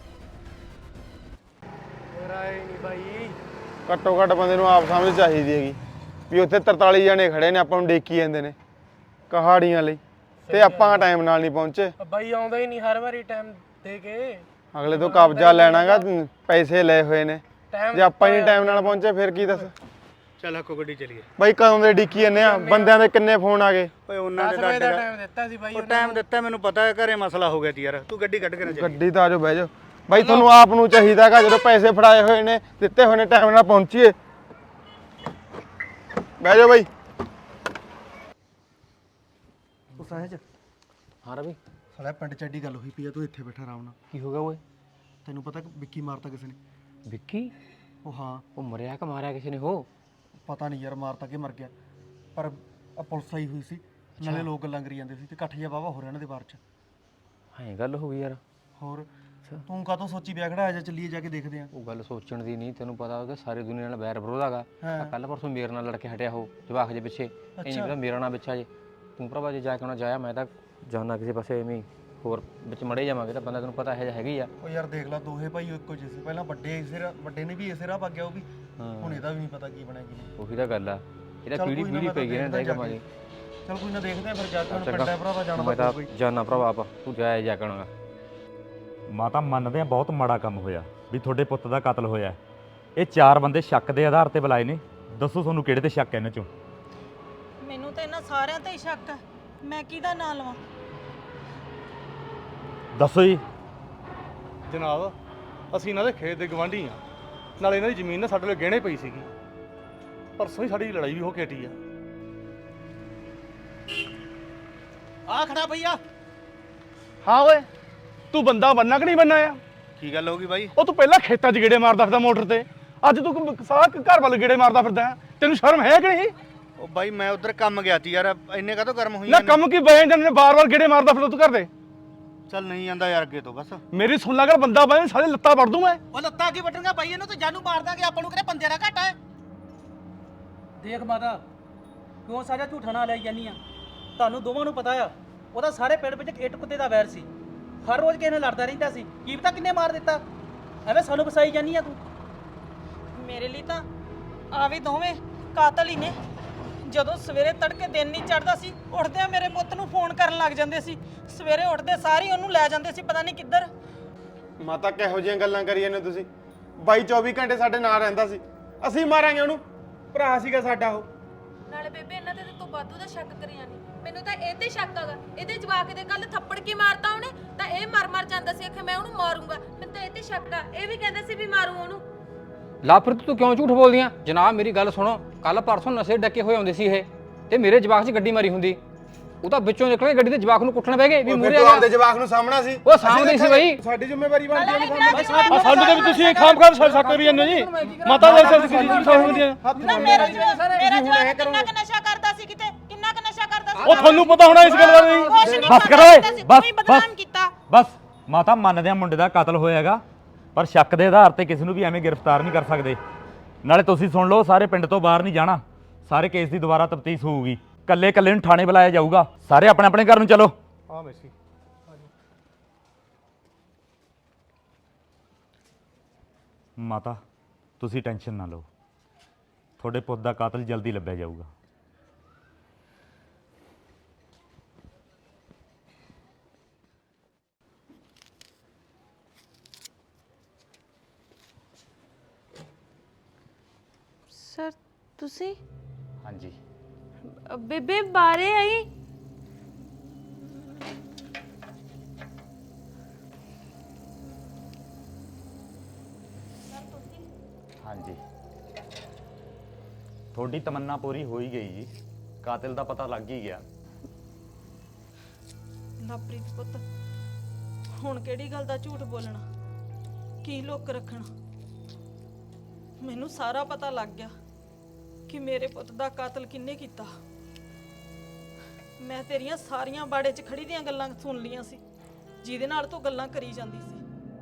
[SPEAKER 6] ਰਾਏ ਨਹੀਂ ਬਾਈ, ਘੱਟੋ ਘੱਟ ਬੰਦੇ ਨੂੰ ਆਪ ਸਮਝ ਚਾਹੀਦੀ ਹੈਗੀ ਵੀ ਉੱਥੇ ਤਰਤਾਲੀ ਜਣੇ ਖੜੇ ਨੇ, ਆਪਾਂ ਨੂੰ ਡੇਕੀ ਜਾਂਦੇ ਨੇ ਕਹਾੜੀਆਂ ਲਈ, ਤੇ ਆਪਾਂ ਟਾਈਮ ਨਾਲ ਨਹੀਂ ਪਹੁੰਚੇ।
[SPEAKER 7] ਬਾਈ ਆਉਂਦਾ ਹੀ ਨਹੀਂ ਹਰ ਵਾਰੀ ਟਾਈਮ ਦੇ ਕੇ।
[SPEAKER 6] ਅਗਲੇ ਤੋਂ ਕਬਜ਼ਾ ਲੈਣਾਗਾ, ਪੈਸੇ ਲਏ ਹੋਏ ਨੇ, ਜੇ ਆਪਾਂ ਹੀ ਨਹੀਂ ਟਾਈਮ ਨਾਲ ਪਹੁੰਚੇ ਫਿਰ ਕੀ ਦੱਸ।
[SPEAKER 1] ਚੱਲ ਹੱਕੋ ਗੱਡੀ ਚਲੀਏ।
[SPEAKER 6] ਬਾਈ ਕਦੋਂ ਦੇ ਡਿੱਕੀ ਜਾਂਦੇ ਆ, ਬੰਦਿਆਂ ਦੇ ਕਿੰਨੇ ਫੋਨ ਆ ਗਏ।
[SPEAKER 1] ਓਏ ਉਹਨਾਂ ਦੇ
[SPEAKER 7] ਦਸ ਵਜੇ ਦਾ
[SPEAKER 1] ਡਾਟਾ
[SPEAKER 7] ਟਾਈਮ ਦਿੱਤਾ ਸੀ ਬਾਈ
[SPEAKER 1] ਉਹ ਟਾਈਮ ਦਿੱਤਾ, ਮੈਨੂੰ ਪਤਾ ਹੈ ਘਰੇ ਮਸਲਾ ਹੋ ਗਿਆ ਤੀ ਯਾਰ। ਤੂੰ ਗੱਡੀ ਕੱਢ ਕੇ ਨਾ ਚੱਲੀ।
[SPEAKER 6] ਗੱਡੀ ਤਾਂ ਆਜੋ ਬਹਿ ਜਾਓ ਬਾਈ, ਤੁਹਾਨੂੰ ਆਪ ਨੂੰ ਚਾਹੀਦਾ ਹੈਗਾ ਜਦੋਂ ਪੈਸੇ ਫੜਾਏ ਹੋਏ ਨੇ, ਦਿੱਤੇ ਹੋਏ ਨੇ, ਟਾਈਮ ਨਾਲ ਪਹੁੰਚੀਏ। ਬਹਿ ਜਾਓ ਬਾਈ।
[SPEAKER 1] ਉਹ ਸਹਿਜ
[SPEAKER 4] ਹਾਂ ਰਵੀ,
[SPEAKER 1] ਸਾਲਾ ਪਿੰਡ ਚ ਐਡੀ ਗੱਲ ਹੋਈ ਪਈ ਆ, ਤੂੰ ਇੱਥੇ ਬੈਠਾ ਆਰਾਮ ਨਾਲ।
[SPEAKER 4] ਕੀ ਹੋ ਗਿਆ ਓਏ?
[SPEAKER 1] ਤੈਨੂੰ ਪਤਾ ਕਿ ਵਿੱਕੀ ਮਾਰਤਾ ਕਿਸੇ ਨੇ?
[SPEAKER 4] ਵਿੱਕੀ?
[SPEAKER 1] ਉਹ ਹਾਂ,
[SPEAKER 4] ਉਹ ਮਰਿਆ ਕਿ ਮਾਰਿਆ ਕਿਸੇ ਨੇ? ਹੋ
[SPEAKER 1] ਪਤਾ ਨਹੀਂ ਯਾਰ ਮਾਰਤਾ ਕਿ ਮਰ ਗਿਆ, ਪਰ ਆ ਪੁਲਿਸ ਆਈ ਹੋਈ ਸੀ, ਨਾਲੇ ਲੋਕ ਗੱਲਾਂ ਕਰੀ ਜਾਂਦੇ ਸੀ ਤੇ ਇਕੱਠ ਜਿਹਾ ਵਾਹਵਾ ਹੋ ਰਿਹਾ ਇਹਨਾਂ ਦੇ ਬਾਰ ਚ।
[SPEAKER 4] ਹਾਂ ਗੱਲ ਹੋ ਗਈ ਯਾਰ।
[SPEAKER 1] ਹੋਰ ਤੂੰ ਕਾਹਤੋਂ ਸੋਚੀ ਵਿਆਹ ਖੜਾ? ਆ ਜਾ ਚੱਲੀਏ, ਜਾ ਕੇ ਦੇਖਦੇ ਆ।
[SPEAKER 4] ਉਹ ਗੱਲ ਸੋਚਣ ਦੀ ਨਹੀਂ, ਤੈਨੂੰ ਪਤਾ ਹੋਗਾ ਸਾਰੀ ਦੁਨੀਆ ਨਾਲ ਬੈਰ ਵਿਰੋਧ ਹੈਗਾ। ਕੱਲ ਪਰਸੋਂ ਮੇਰੇ ਨਾਲ ਲੜ ਕੇ ਹਟਿਆ ਹੋ ਜਵਾਕ ਦੇ ਪਿੱਛੇ, ਇਹ ਨਹੀਂ ਪਤਾ ਮੇਰਾ ਨਾਂ ਵਿੱਚ ਆ ਜੇ। ਤੂੰ ਭਰਾਵਾ ਜੇ ਜਾ ਕੇ ਉਹਨਾਂ ਜਾਇਆ, ਮੈਂ ਤਾਂ ਜਾਣਾ ਕਿਸੇ ਪਾਸੇ ਐਵੇਂ ਹੋਰ ਵਿੱਚ ਮੜੇ ਜਾਵਾਂਗੇ ਤਾਂ ਬੰਦਾ ਤੈਨੂੰ ਪਤਾ ਇਹੋ ਜਿਹਾ ਹੈਗੀ ਆ।
[SPEAKER 1] ਉਹ ਯਾਰ ਦੇਖ ਲੈ, ਦੋਹੇ ਭਾਈ ਇੱਕੋ ਜਿਹੇ ਸੀ, ਪਹਿਲਾਂ ਵੱਡੇ ਇਸੇ ਰਾਹ ਵੱਡੇ ਨੇ ਵੀ ਇਸੇ ਰਾਹ ਪਾ ਗਿਆ, ਉਹ ਵੀ ਹੁਣ ਇਹਦਾ ਵੀ ਨਹੀਂ ਪਤਾ ਕੀ ਬਣਿਆ ਕੀ ਨਹੀਂ।
[SPEAKER 4] ਉਹੀ ਤਾਂ ਗੱਲ ਆ, ਇਹਦਾ ਪੀੜੀ ਪੀੜੀ ਪਈ ਗਈ ਨਾ ਤਾਂ ਕੰਮਾਂ ਦੀ।
[SPEAKER 1] ਚਲ ਕੋਈ ਨਾ ਦੇਖਦੇ ਆ ਫਿਰ ਜਾ ਕੇ, ਹੁਣ ਪਿੰਡ ਹੈ ਭਰਾਵਾ ਜਾਣਾ
[SPEAKER 4] ਮੈਂ ਤਾਂ ਜਾਣਾ ਭਰਾਵਾ, ਆਪ ਤੂੰ ਜਾਇਆ ਜਾ ਕੇ ਆਉਣਾ।
[SPEAKER 8] ਮਾਤਾ ਮੰਨਦੇ ਆ ਬਹੁਤ ਮਾੜਾ ਕੰਮ ਹੋਇਆ ਵੀ ਤੁਹਾਡੇ ਪੁੱਤ ਦਾ ਕਤਲ ਹੋਇਆ। ਇਹ ਚਾਰ ਬੰਦੇ ਸ਼ੱਕ ਦੇ ਆਧਾਰ ਤੇ ਬੁਲਾਏ ਨੇ, ਦੱਸੋ ਤੁਹਾਨੂੰ ਕਿਹੜੇ ਤੇ ਸ਼ੱਕ ਹੈ ਇਹਨਾਂ ਚੋਂ?
[SPEAKER 3] ਮੈਨੂੰ ਤਾਂ ਇਹਨਾਂ ਸਾਰਿਆਂ ਤੇ ਹੀ ਸ਼ੱਕ ਹੈ, ਮੈਂ ਕਿਹਦਾ ਨਾਂ ਲਵਾਂ?
[SPEAKER 8] ਦੱਸੋ ਜੀ।
[SPEAKER 9] ਜਨਾਬ, ਅਸੀਂ ਇਹਨਾਂ ਦੇ ਖੇਤ ਦੇ ਗਵਾਂਢੀ ਆ, ਨਾਲੇ ਇਹਨਾਂ ਦੀ ਜ਼ਮੀਨ ਨਾ ਸਾਡੇ ਲਈ ਗਹਿਣੇ ਪਈ ਸੀਗੀ। ਪਰਸੋਂ ਹੀ ਸਾਡੀ ਲੜਾਈ ਵੀ ਹੋ ਕੇ ਹਟੀ ਆ।
[SPEAKER 1] ਆ ਖੜਾ ਭਈਆ।
[SPEAKER 9] ਹਾਂ ਓਏ, ਤੂੰ ਬੰਦਾ ਬੰਨਾ ਕਿ ਨਹੀਂ ਬੰਨਾ ਆ?
[SPEAKER 1] ਕੀ ਗੱਲ ਹੋ ਗਈ ਬਾਈ?
[SPEAKER 9] ਉਹ ਤੂੰ ਪਹਿਲਾਂ ਖੇਤਾਂ 'ਚ ਗੇੜੇ ਮਾਰਦਾ ਫਿਰਦਾ ਮੋਟਰ ਤੇ, ਅੱਜ ਤੂੰ ਸਾਰਾ ਘਰ ਵੱਲ ਗੇੜੇ ਮਾਰਦਾ ਫਿਰਦਾ। ਤੈਨੂੰ ਸ਼ਰਮ ਹੈ ਕਿ ਨਹੀਂ?
[SPEAKER 1] ਉਹ ਬਾਈ ਮੈਂ ਉਧਰ ਕੰਮ ਗਿਆ ਤੀ ਯਾਰ, ਇੰਨੇ ਕਾਹਤੋਂ ਗਰਮ ਹੋਈ
[SPEAKER 9] ਨਾ ਕੰਮ ਕੀ ਬਹਿ ਜਾਂਦੇ ਨੇ, ਬਾਰ-ਬਾਰ ਗੇੜੇ ਮਾਰਦਾ ਫਿਰਦਾ ਤੂੰ ਘਰ ਦੇ।
[SPEAKER 1] ਚੱਲ ਨਹੀਂ ਜਾਂਦਾ ਯਾਰ ਅੱਗੇ ਤੋਂ ਬਸ।
[SPEAKER 9] ਮੇਰੀ ਸੁਣ ਲਾ ਕਰ, ਬੰਦਾ ਬਹਿ ਸਾਰੇ ਲੱਤਾਂ ਵੜ ਦੂੰ ਮੈਂ।
[SPEAKER 10] ਉਹ ਲੱਤਾਂ ਕੀ ਵੱਟਣਗਾ ਬਾਈ, ਇਹਨੂੰ ਤਾਂ ਜਾਨੂ ਮਾਰ ਦਾਂਗੇ, ਆਪਾਂ ਨੂੰ ਕਿਹੜੇ ਬੰਦੇ ਦਾ ਘਾਟਾ ਹੈ।
[SPEAKER 7] ਦੇਖ ਮਾਤਾ, ਕਿਉਂ ਸਾਰਾ ਝੂਠਾ ਨਾ ਲਈ ਜਾਨੀ ਆ? ਤੁਹਾਨੂੰ ਦੋਵਾਂ ਨੂੰ ਪਤਾ ਆ ਉਹਦਾ ਸਾਰੇ ਪਿੰਡ ਵਿੱਚ ਇੱਟ ਕੁੱਤੇ ਦਾ ਵੈਰ ਸੀ, ਹਰ ਰੋਜ਼ ਕਿਸੇ ਨਾਲ ਲੜਦਾ ਰਹਿੰਦਾ ਸੀ। ਕੀ ਪਤਾ ਕਿੰਨੇ ਮਾਰ ਦਿੱਤਾ, ਐਵੇਂ ਸਾਨੂੰ ਫਸਾਈ ਜਾਨੀ ਆ ਤੂੰ।
[SPEAKER 3] ਮੇਰੇ ਲਈ ਤਾਂ ਆ ਵੀ ਦੋਵੇਂ ਕਾਤਲ ਹੀ ਨੇ। ਜਦੋਂ ਸਵੇਰੇ ਤੜਕੇ ਦਿਨ ਨਹੀਂ ਚੜਦਾ ਸੀ, ਉੱਠਦਿਆਂ ਮੇਰੇ ਪੁੱਤ ਨੂੰ ਫੋਨ ਕਰਨ ਲੱਗ ਜਾਂਦੇ ਸੀ, ਸਵੇਰੇ ਉੱਠਦੇ ਸਾਰੀ ਉਹਨੂੰ ਲੈ ਜਾਂਦੇ ਸੀ ਪਤਾ ਨਹੀਂ ਕਿੱਧਰ।
[SPEAKER 6] ਮਾਤਾ ਕਿਹੋ ਜਿਹੀਆਂ ਗੱਲਾਂ ਕਰੀ ਜਾਂਦੇ ਤੁਸੀਂ? ਬਾਈ ਚੌਵੀ ਘੰਟੇ ਸਾਡੇ ਨਾਲ ਰਹਿੰਦਾ ਸੀ, ਅਸੀਂ ਮਾਰਾਂਗੇ ਉਹਨੂੰ? ਭਰਾ ਸੀਗਾ ਸਾਡਾ ਉਹ।
[SPEAKER 2] ਨਾਲੇ ਬੇਬੇ ਇਹਨਾਂ ਤੇ ਤਾਂ ਤੂੰ ਵਾਧੂ ਦਾ ਸ਼ੱਕ ਕਰੀ ਜਾਂਦੀ। ਮੈਨੂੰ ਤਾਂ ਇਹ ਤੇ ਸ਼ੱਕ ਹੈਗਾ, ਇਹਦੇ ਜਵਾਕ ਦੇ ਕੱਲ ਥੱਪੜ ਕੀ ਮਾਰਤਾ ਉਹਨੇ, ਤਾਂ ਇਹ ਮਰ ਮਰ ਜਾਂਦਾ ਸੀ ਕਿ ਮੈਂ ਉਹਨੂੰ ਮਾਰੂੰਗਾ। ਮੈਨੂੰ ਤਾਂ ਇਹ ਤੇ ਸ਼ੱਕ ਆ, ਇਹ ਵੀ ਕਹਿੰਦਾ ਸੀ ਵੀ ਮਾਰੂ ਉਹਨੂੰ।
[SPEAKER 4] ਲਾਪ੍ਰਿਤ ਤੂੰ ਕਿਉਂ ਝੂਠ ਬੋਲਦੀਆਂ? ਜਨਾਬ ਮੇਰੀ ਗੱਲ ਸੁਣੋ, ਕੱਲ ਪਰਸੋਂ ਨਸ਼ੇ ਡੱਕੇ ਹੋਏ ਹੁੰਦੇ ਸੀ ਇਹ, ਤੇ ਮੇਰੇ ਜਵਾਕ 'ਚ ਗੱਡੀ ਮਾਰੀ ਹੁੰਦੀ, ਉਹ ਤਾਂ ਵਿੱਚੋਂ ਨਿਕਲ ਕੇ ਗੱਡੀ ਦੇ ਜਵਾਕ ਨੂੰ ਕੁੱਟਣ ਬਹਿ ਗਏ ਵੀ ਮੂਰੇ ਆ ਗਿਆ।
[SPEAKER 6] ਆਪਦੇ ਜਵਾਕ ਨੂੰ ਸਾਹਮਣਾ ਸੀ,
[SPEAKER 4] ਉਹ ਸਾਹਮਣੇ ਸੀ ਬਈ।
[SPEAKER 6] ਸਾਡੀ ਜ਼ਿੰਮੇਵਾਰੀ ਬਣਦੀ ਹੈ।
[SPEAKER 9] ਆ ਸਾਨੂੰ ਤੇ ਵੀ ਤੁਸੀਂ ਖਾਮ ਖਾਮ ਸ਼ੱਕ ਕਰੀ ਜਾਂਦੇ ਜੀ। ਮਾਤਾ ਦੇ ਸਿਰ ਕੀ ਸਮਝਦੀਆਂ?
[SPEAKER 3] ਨਾ ਮੇਰਾ ਜਵਾਕ ਮੇਰਾ ਜਵਾਕ ਕਿੰਨਾ ਕੁ ਨਸ਼ਾ ਕਰਦਾ ਸੀ, ਕਿਤੇ ਕਿੰਨਾ ਕੁ ਨਸ਼ਾ ਕਰਦਾ ਸੀ।
[SPEAKER 9] ਉਹ ਤੁਹਾਨੂੰ ਪਤਾ ਹੋਣਾ ਇਸ ਗੱਲ ਬਾਰੇ।
[SPEAKER 3] ਕੁਛ ਨਹੀਂ
[SPEAKER 8] ਬਸ
[SPEAKER 3] ਪਤਾ
[SPEAKER 8] ਕਰੋ ਓਏ,
[SPEAKER 3] ਕੀਤਾ ਸੀ,
[SPEAKER 8] ਬਸ
[SPEAKER 3] ਤੂੰ ਹੀ ਬਦਨਾਮ ਕੀਤਾ।
[SPEAKER 8] ਬਸ ਮਾਤਾ ਮੰਨਦੇ ਆ ਮੁੰਡੇ ਦਾ ਕਤਲ ਹੋਇਆਗਾ, ਪਰ ਸ਼ੱਕ ਦੇ ਆਧਾਰ ਤੇ ਕਿਸੇ ਨੂੰ ਵੀ ਐਵੇਂ ਗ੍ਰਿਫਤਾਰ ਨਹੀਂ ਕਰ ਸਕਦੇ। ਨਾਲੇ ਤੁਸੀਂ ਸੁਣ ਲਓ, ਸਾਰੇ ਪਿੰਡ ਤੋਂ ਬਾਹਰ ਨਹੀਂ ਜਾਣਾ, ਸਾਰੇ ਕੇਸ ਦੀ ਦੁਬਾਰਾ ਤਫਤੀਸ਼ ਹੋਊਗੀ, ਕੱਲੇ ਕੱਲੇ ਨੂੰ ਥਾਣੇ ਬੁਲਾਇਆ ਜਾਊਗਾ, ਸਾਰੇ ਆਪਣੇ ਆਪਣੇ ਘਰ ਨੂੰ ਚਲੋ।
[SPEAKER 9] ਹਾਂ ਮੈਸੀ
[SPEAKER 8] ਮਾਤਾ ਤੁਸੀਂ ਟੈਨਸ਼ਨ ਨਾ ਲਓ, ਤੁਹਾਡੇ ਪੁੱਤ ਦਾ ਕਾਤਲ ਜਲਦੀ ਲੱਭਿਆ ਜਾਊਗਾ।
[SPEAKER 2] ਸਰ ਤੁਸੀਂ?
[SPEAKER 4] ਹਾਂਜੀ
[SPEAKER 2] ਬੇਬੇ ਬਾਰੇ ਆਈ।
[SPEAKER 8] ਹਾਂਜੀ ਤੁਹਾਡੀ ਤਮੰਨਾ ਪੂਰੀ ਹੋ ਹੀ ਗਈ ਜੀ, ਕਾਤਿਲ ਦਾ ਪਤਾ ਲੱਗ ਹੀ ਗਿਆ।
[SPEAKER 3] ਲਵਪ੍ਰੀਤ ਪੁੱਤ, ਹੁਣ ਕਿਹੜੀ ਗੱਲ ਦਾ ਝੂਠ ਬੋਲਣਾ, ਕੀ ਲੁੱਕ ਰੱਖਣਾ? ਮੈਨੂੰ ਸਾਰਾ ਪਤਾ ਲੱਗ ਗਿਆ ਕਿ ਮੇਰੇ ਪੁੱਤ ਦਾ ਕਾਤਲ ਕਿੰਨੇ ਕੀਤਾ। ਮੈਂ ਤੇਰੀਆਂ ਸਾਰੀਆਂ ਬਾੜੇ 'ਚ ਖੜੀ ਦੀਆਂ ਗੱਲਾਂ ਸੁਣ ਲੀਆਂ ਸੀ, ਜਿਹਦੇ ਨਾਲ ਤੂੰ ਗੱਲਾਂ ਕਰੀ ਜਾਂਦੀ ਸੀ।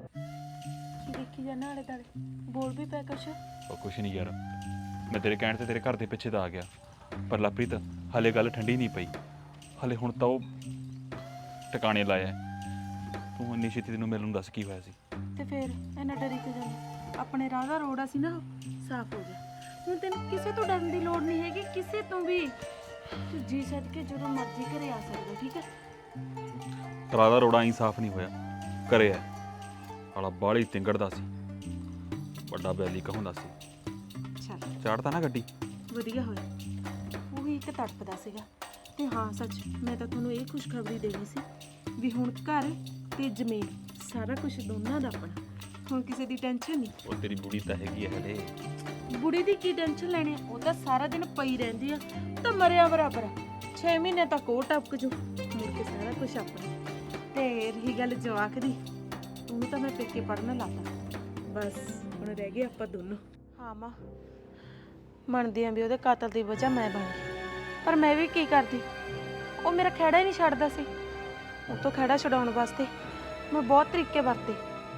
[SPEAKER 2] ਦੇਖੀ ਜਾਣਾ ਆਲੇ ਦਾਲੇ ਬੋਲ ਵੀ ਪੈ ਕੁਛ।
[SPEAKER 5] ਉਹ ਕੁਛ ਨਹੀਂ ਯਾਰ, ਮੈਂ ਤੇਰੇ ਕਹਿਣ ਤੇ ਤੇਰੇ ਘਰ ਦੇ ਪਿੱਛੇ ਤਾਂ ਆ ਗਿਆ, ਪਰ ਲਵਪ੍ਰੀਤ ਹਲੇ ਗੱਲ ਠੰਡੀ ਨਹੀਂ ਪਈ। ਹਲੇ ਹੁਣ ਤਾਂ ਉਹ ਟਿਕਾਣੇ ਲਾਇਆ ਹੈ। ਤੂੰ ਇੰਨੀ ਛੇਤੀ ਤੈਨੂੰ ਮਿਲਣ ਨੂੰ ਦੱਸ ਕੀ ਹੋਇਆ ਸੀ?
[SPEAKER 2] ਤੇ ਫਿਰ ਇਹਨਾਂ ਡਰੀ ਤੇ ਜਾਣਾ, ਆਪਣੇ ਰਾਹ ਦਾ ਰੋੜਾ ਸੀ ਨਾ ਸਾਫ਼ ਹੋ ਗਿਆ। ਹੁਣ ਤੈਨੂੰ ਕਿਸੇ ਤੋਂ ਡਰਨ ਦੀ ਲੋੜ ਨਹੀਂ ਹੈਗੀ, ਕਿਸੇ ਤੋਂ ਵੀ। ਤੂੰ ਜੀ ਸੱਦ ਕੇ ਜਦੋਂ ਮਰਜ਼ੀ ਘਰੇ ਆ ਸਕਦਾ, ਠੀਕ ਹੈ?
[SPEAKER 5] ਤਰਾ ਦਾ ਰੋੜਾ ਹੀ ਸਾਫ਼ ਨਹੀਂ ਹੋਇਆ, ਕਰਿਆ ਵਾਲਾ ਬਾਹਲੀ ਤਿੰਗੜਦਾ ਸੀ, ਵੱਡਾ ਬੈਲੀ ਕਹਾਉਂਦਾ ਸੀ।
[SPEAKER 2] ਚੱਲ
[SPEAKER 5] ਚਾੜਤਾ ਨਾ ਗੱਡੀ।
[SPEAKER 2] ਵਧੀਆ ਹੋਇਆ, ਉਹ ਵੀ ਇੱਕ ਤੜਪਦਾ ਸੀਗਾ। ਤੇ ਹਾਂ ਸੱਚ, ਮੈਂ ਤਾਂ ਤੁਹਾਨੂੰ ਇਹ ਖੁਸ਼ਖਬਰੀ ਦੇਣੀ ਸੀ ਵੀ ਹੁਣ ਘਰ ਤੇ ਜ਼ਮੀਨ ਸਾਰਾ ਕੁਝ ਦੋਨਾਂ ਦਾ ਆਪਣਾ। ਹੁਣ ਕਿਸੇ ਦੀ ਟੈਨਸ਼ਨ ਨਹੀਂ।
[SPEAKER 5] ਉਹ ਤੇਰੀ ਬੁੜੀ ਤਾਂ ਹੈਗੀ ਹੈ ਹਲੇ।
[SPEAKER 2] ਬੁੜੀ ਦੀ ਕੀ ਟੈਨਸ਼ਨ ਲੈਣੀ, ਉਹ ਤਾਂ ਸਾਰਾ ਦਿਨ ਪਈ ਰਹਿੰਦੀ ਆ, ਤਾਂ ਮਰਿਆ ਬਰਾਬਰ। ਛੇ ਮਹੀਨੇ ਤੱਕ ਉਹ ਟਪਕ ਜੂ, ਮੁੜ ਕੇ ਸਾਰਾ ਕੁਝ ਆਪਣਾ। ਤੇ ਰਹੀ ਗੱਲ ਜਵਾਕ ਦੀ, ਉਹਨੂੰ ਤਾਂ ਮੈਂ ਪੇਕੇ ਪੜ੍ਹਨ ਲਾਤਾ, ਬਸ ਹੁਣ ਰਹਿ ਗਏ ਆਪਾਂ ਦੋਨੋਂ। ਹਾਂ ਮਾਂ, ਮੰਨਦੀ ਆਂ ਵੀ ਉਹਦੇ ਕਾਤਲ ਦੀ ਵਜ੍ਹਾ ਮੈਂ ਬਣ ਗਈ, ਪਰ ਮੈਂ ਵੀ ਕੀ ਕਰਦੀ? ਉਹ ਮੇਰਾ ਖਹਿੜਾ ਹੀ ਨਹੀਂ ਛੱਡਦਾ ਸੀ। ਉਹ ਤੋਂ ਖਹਿੜਾ ਛਡਾਉਣ ਵਾਸਤੇ ਮੈਂ ਬਹੁਤ ਤਰੀਕੇ ਵਰਤੇ।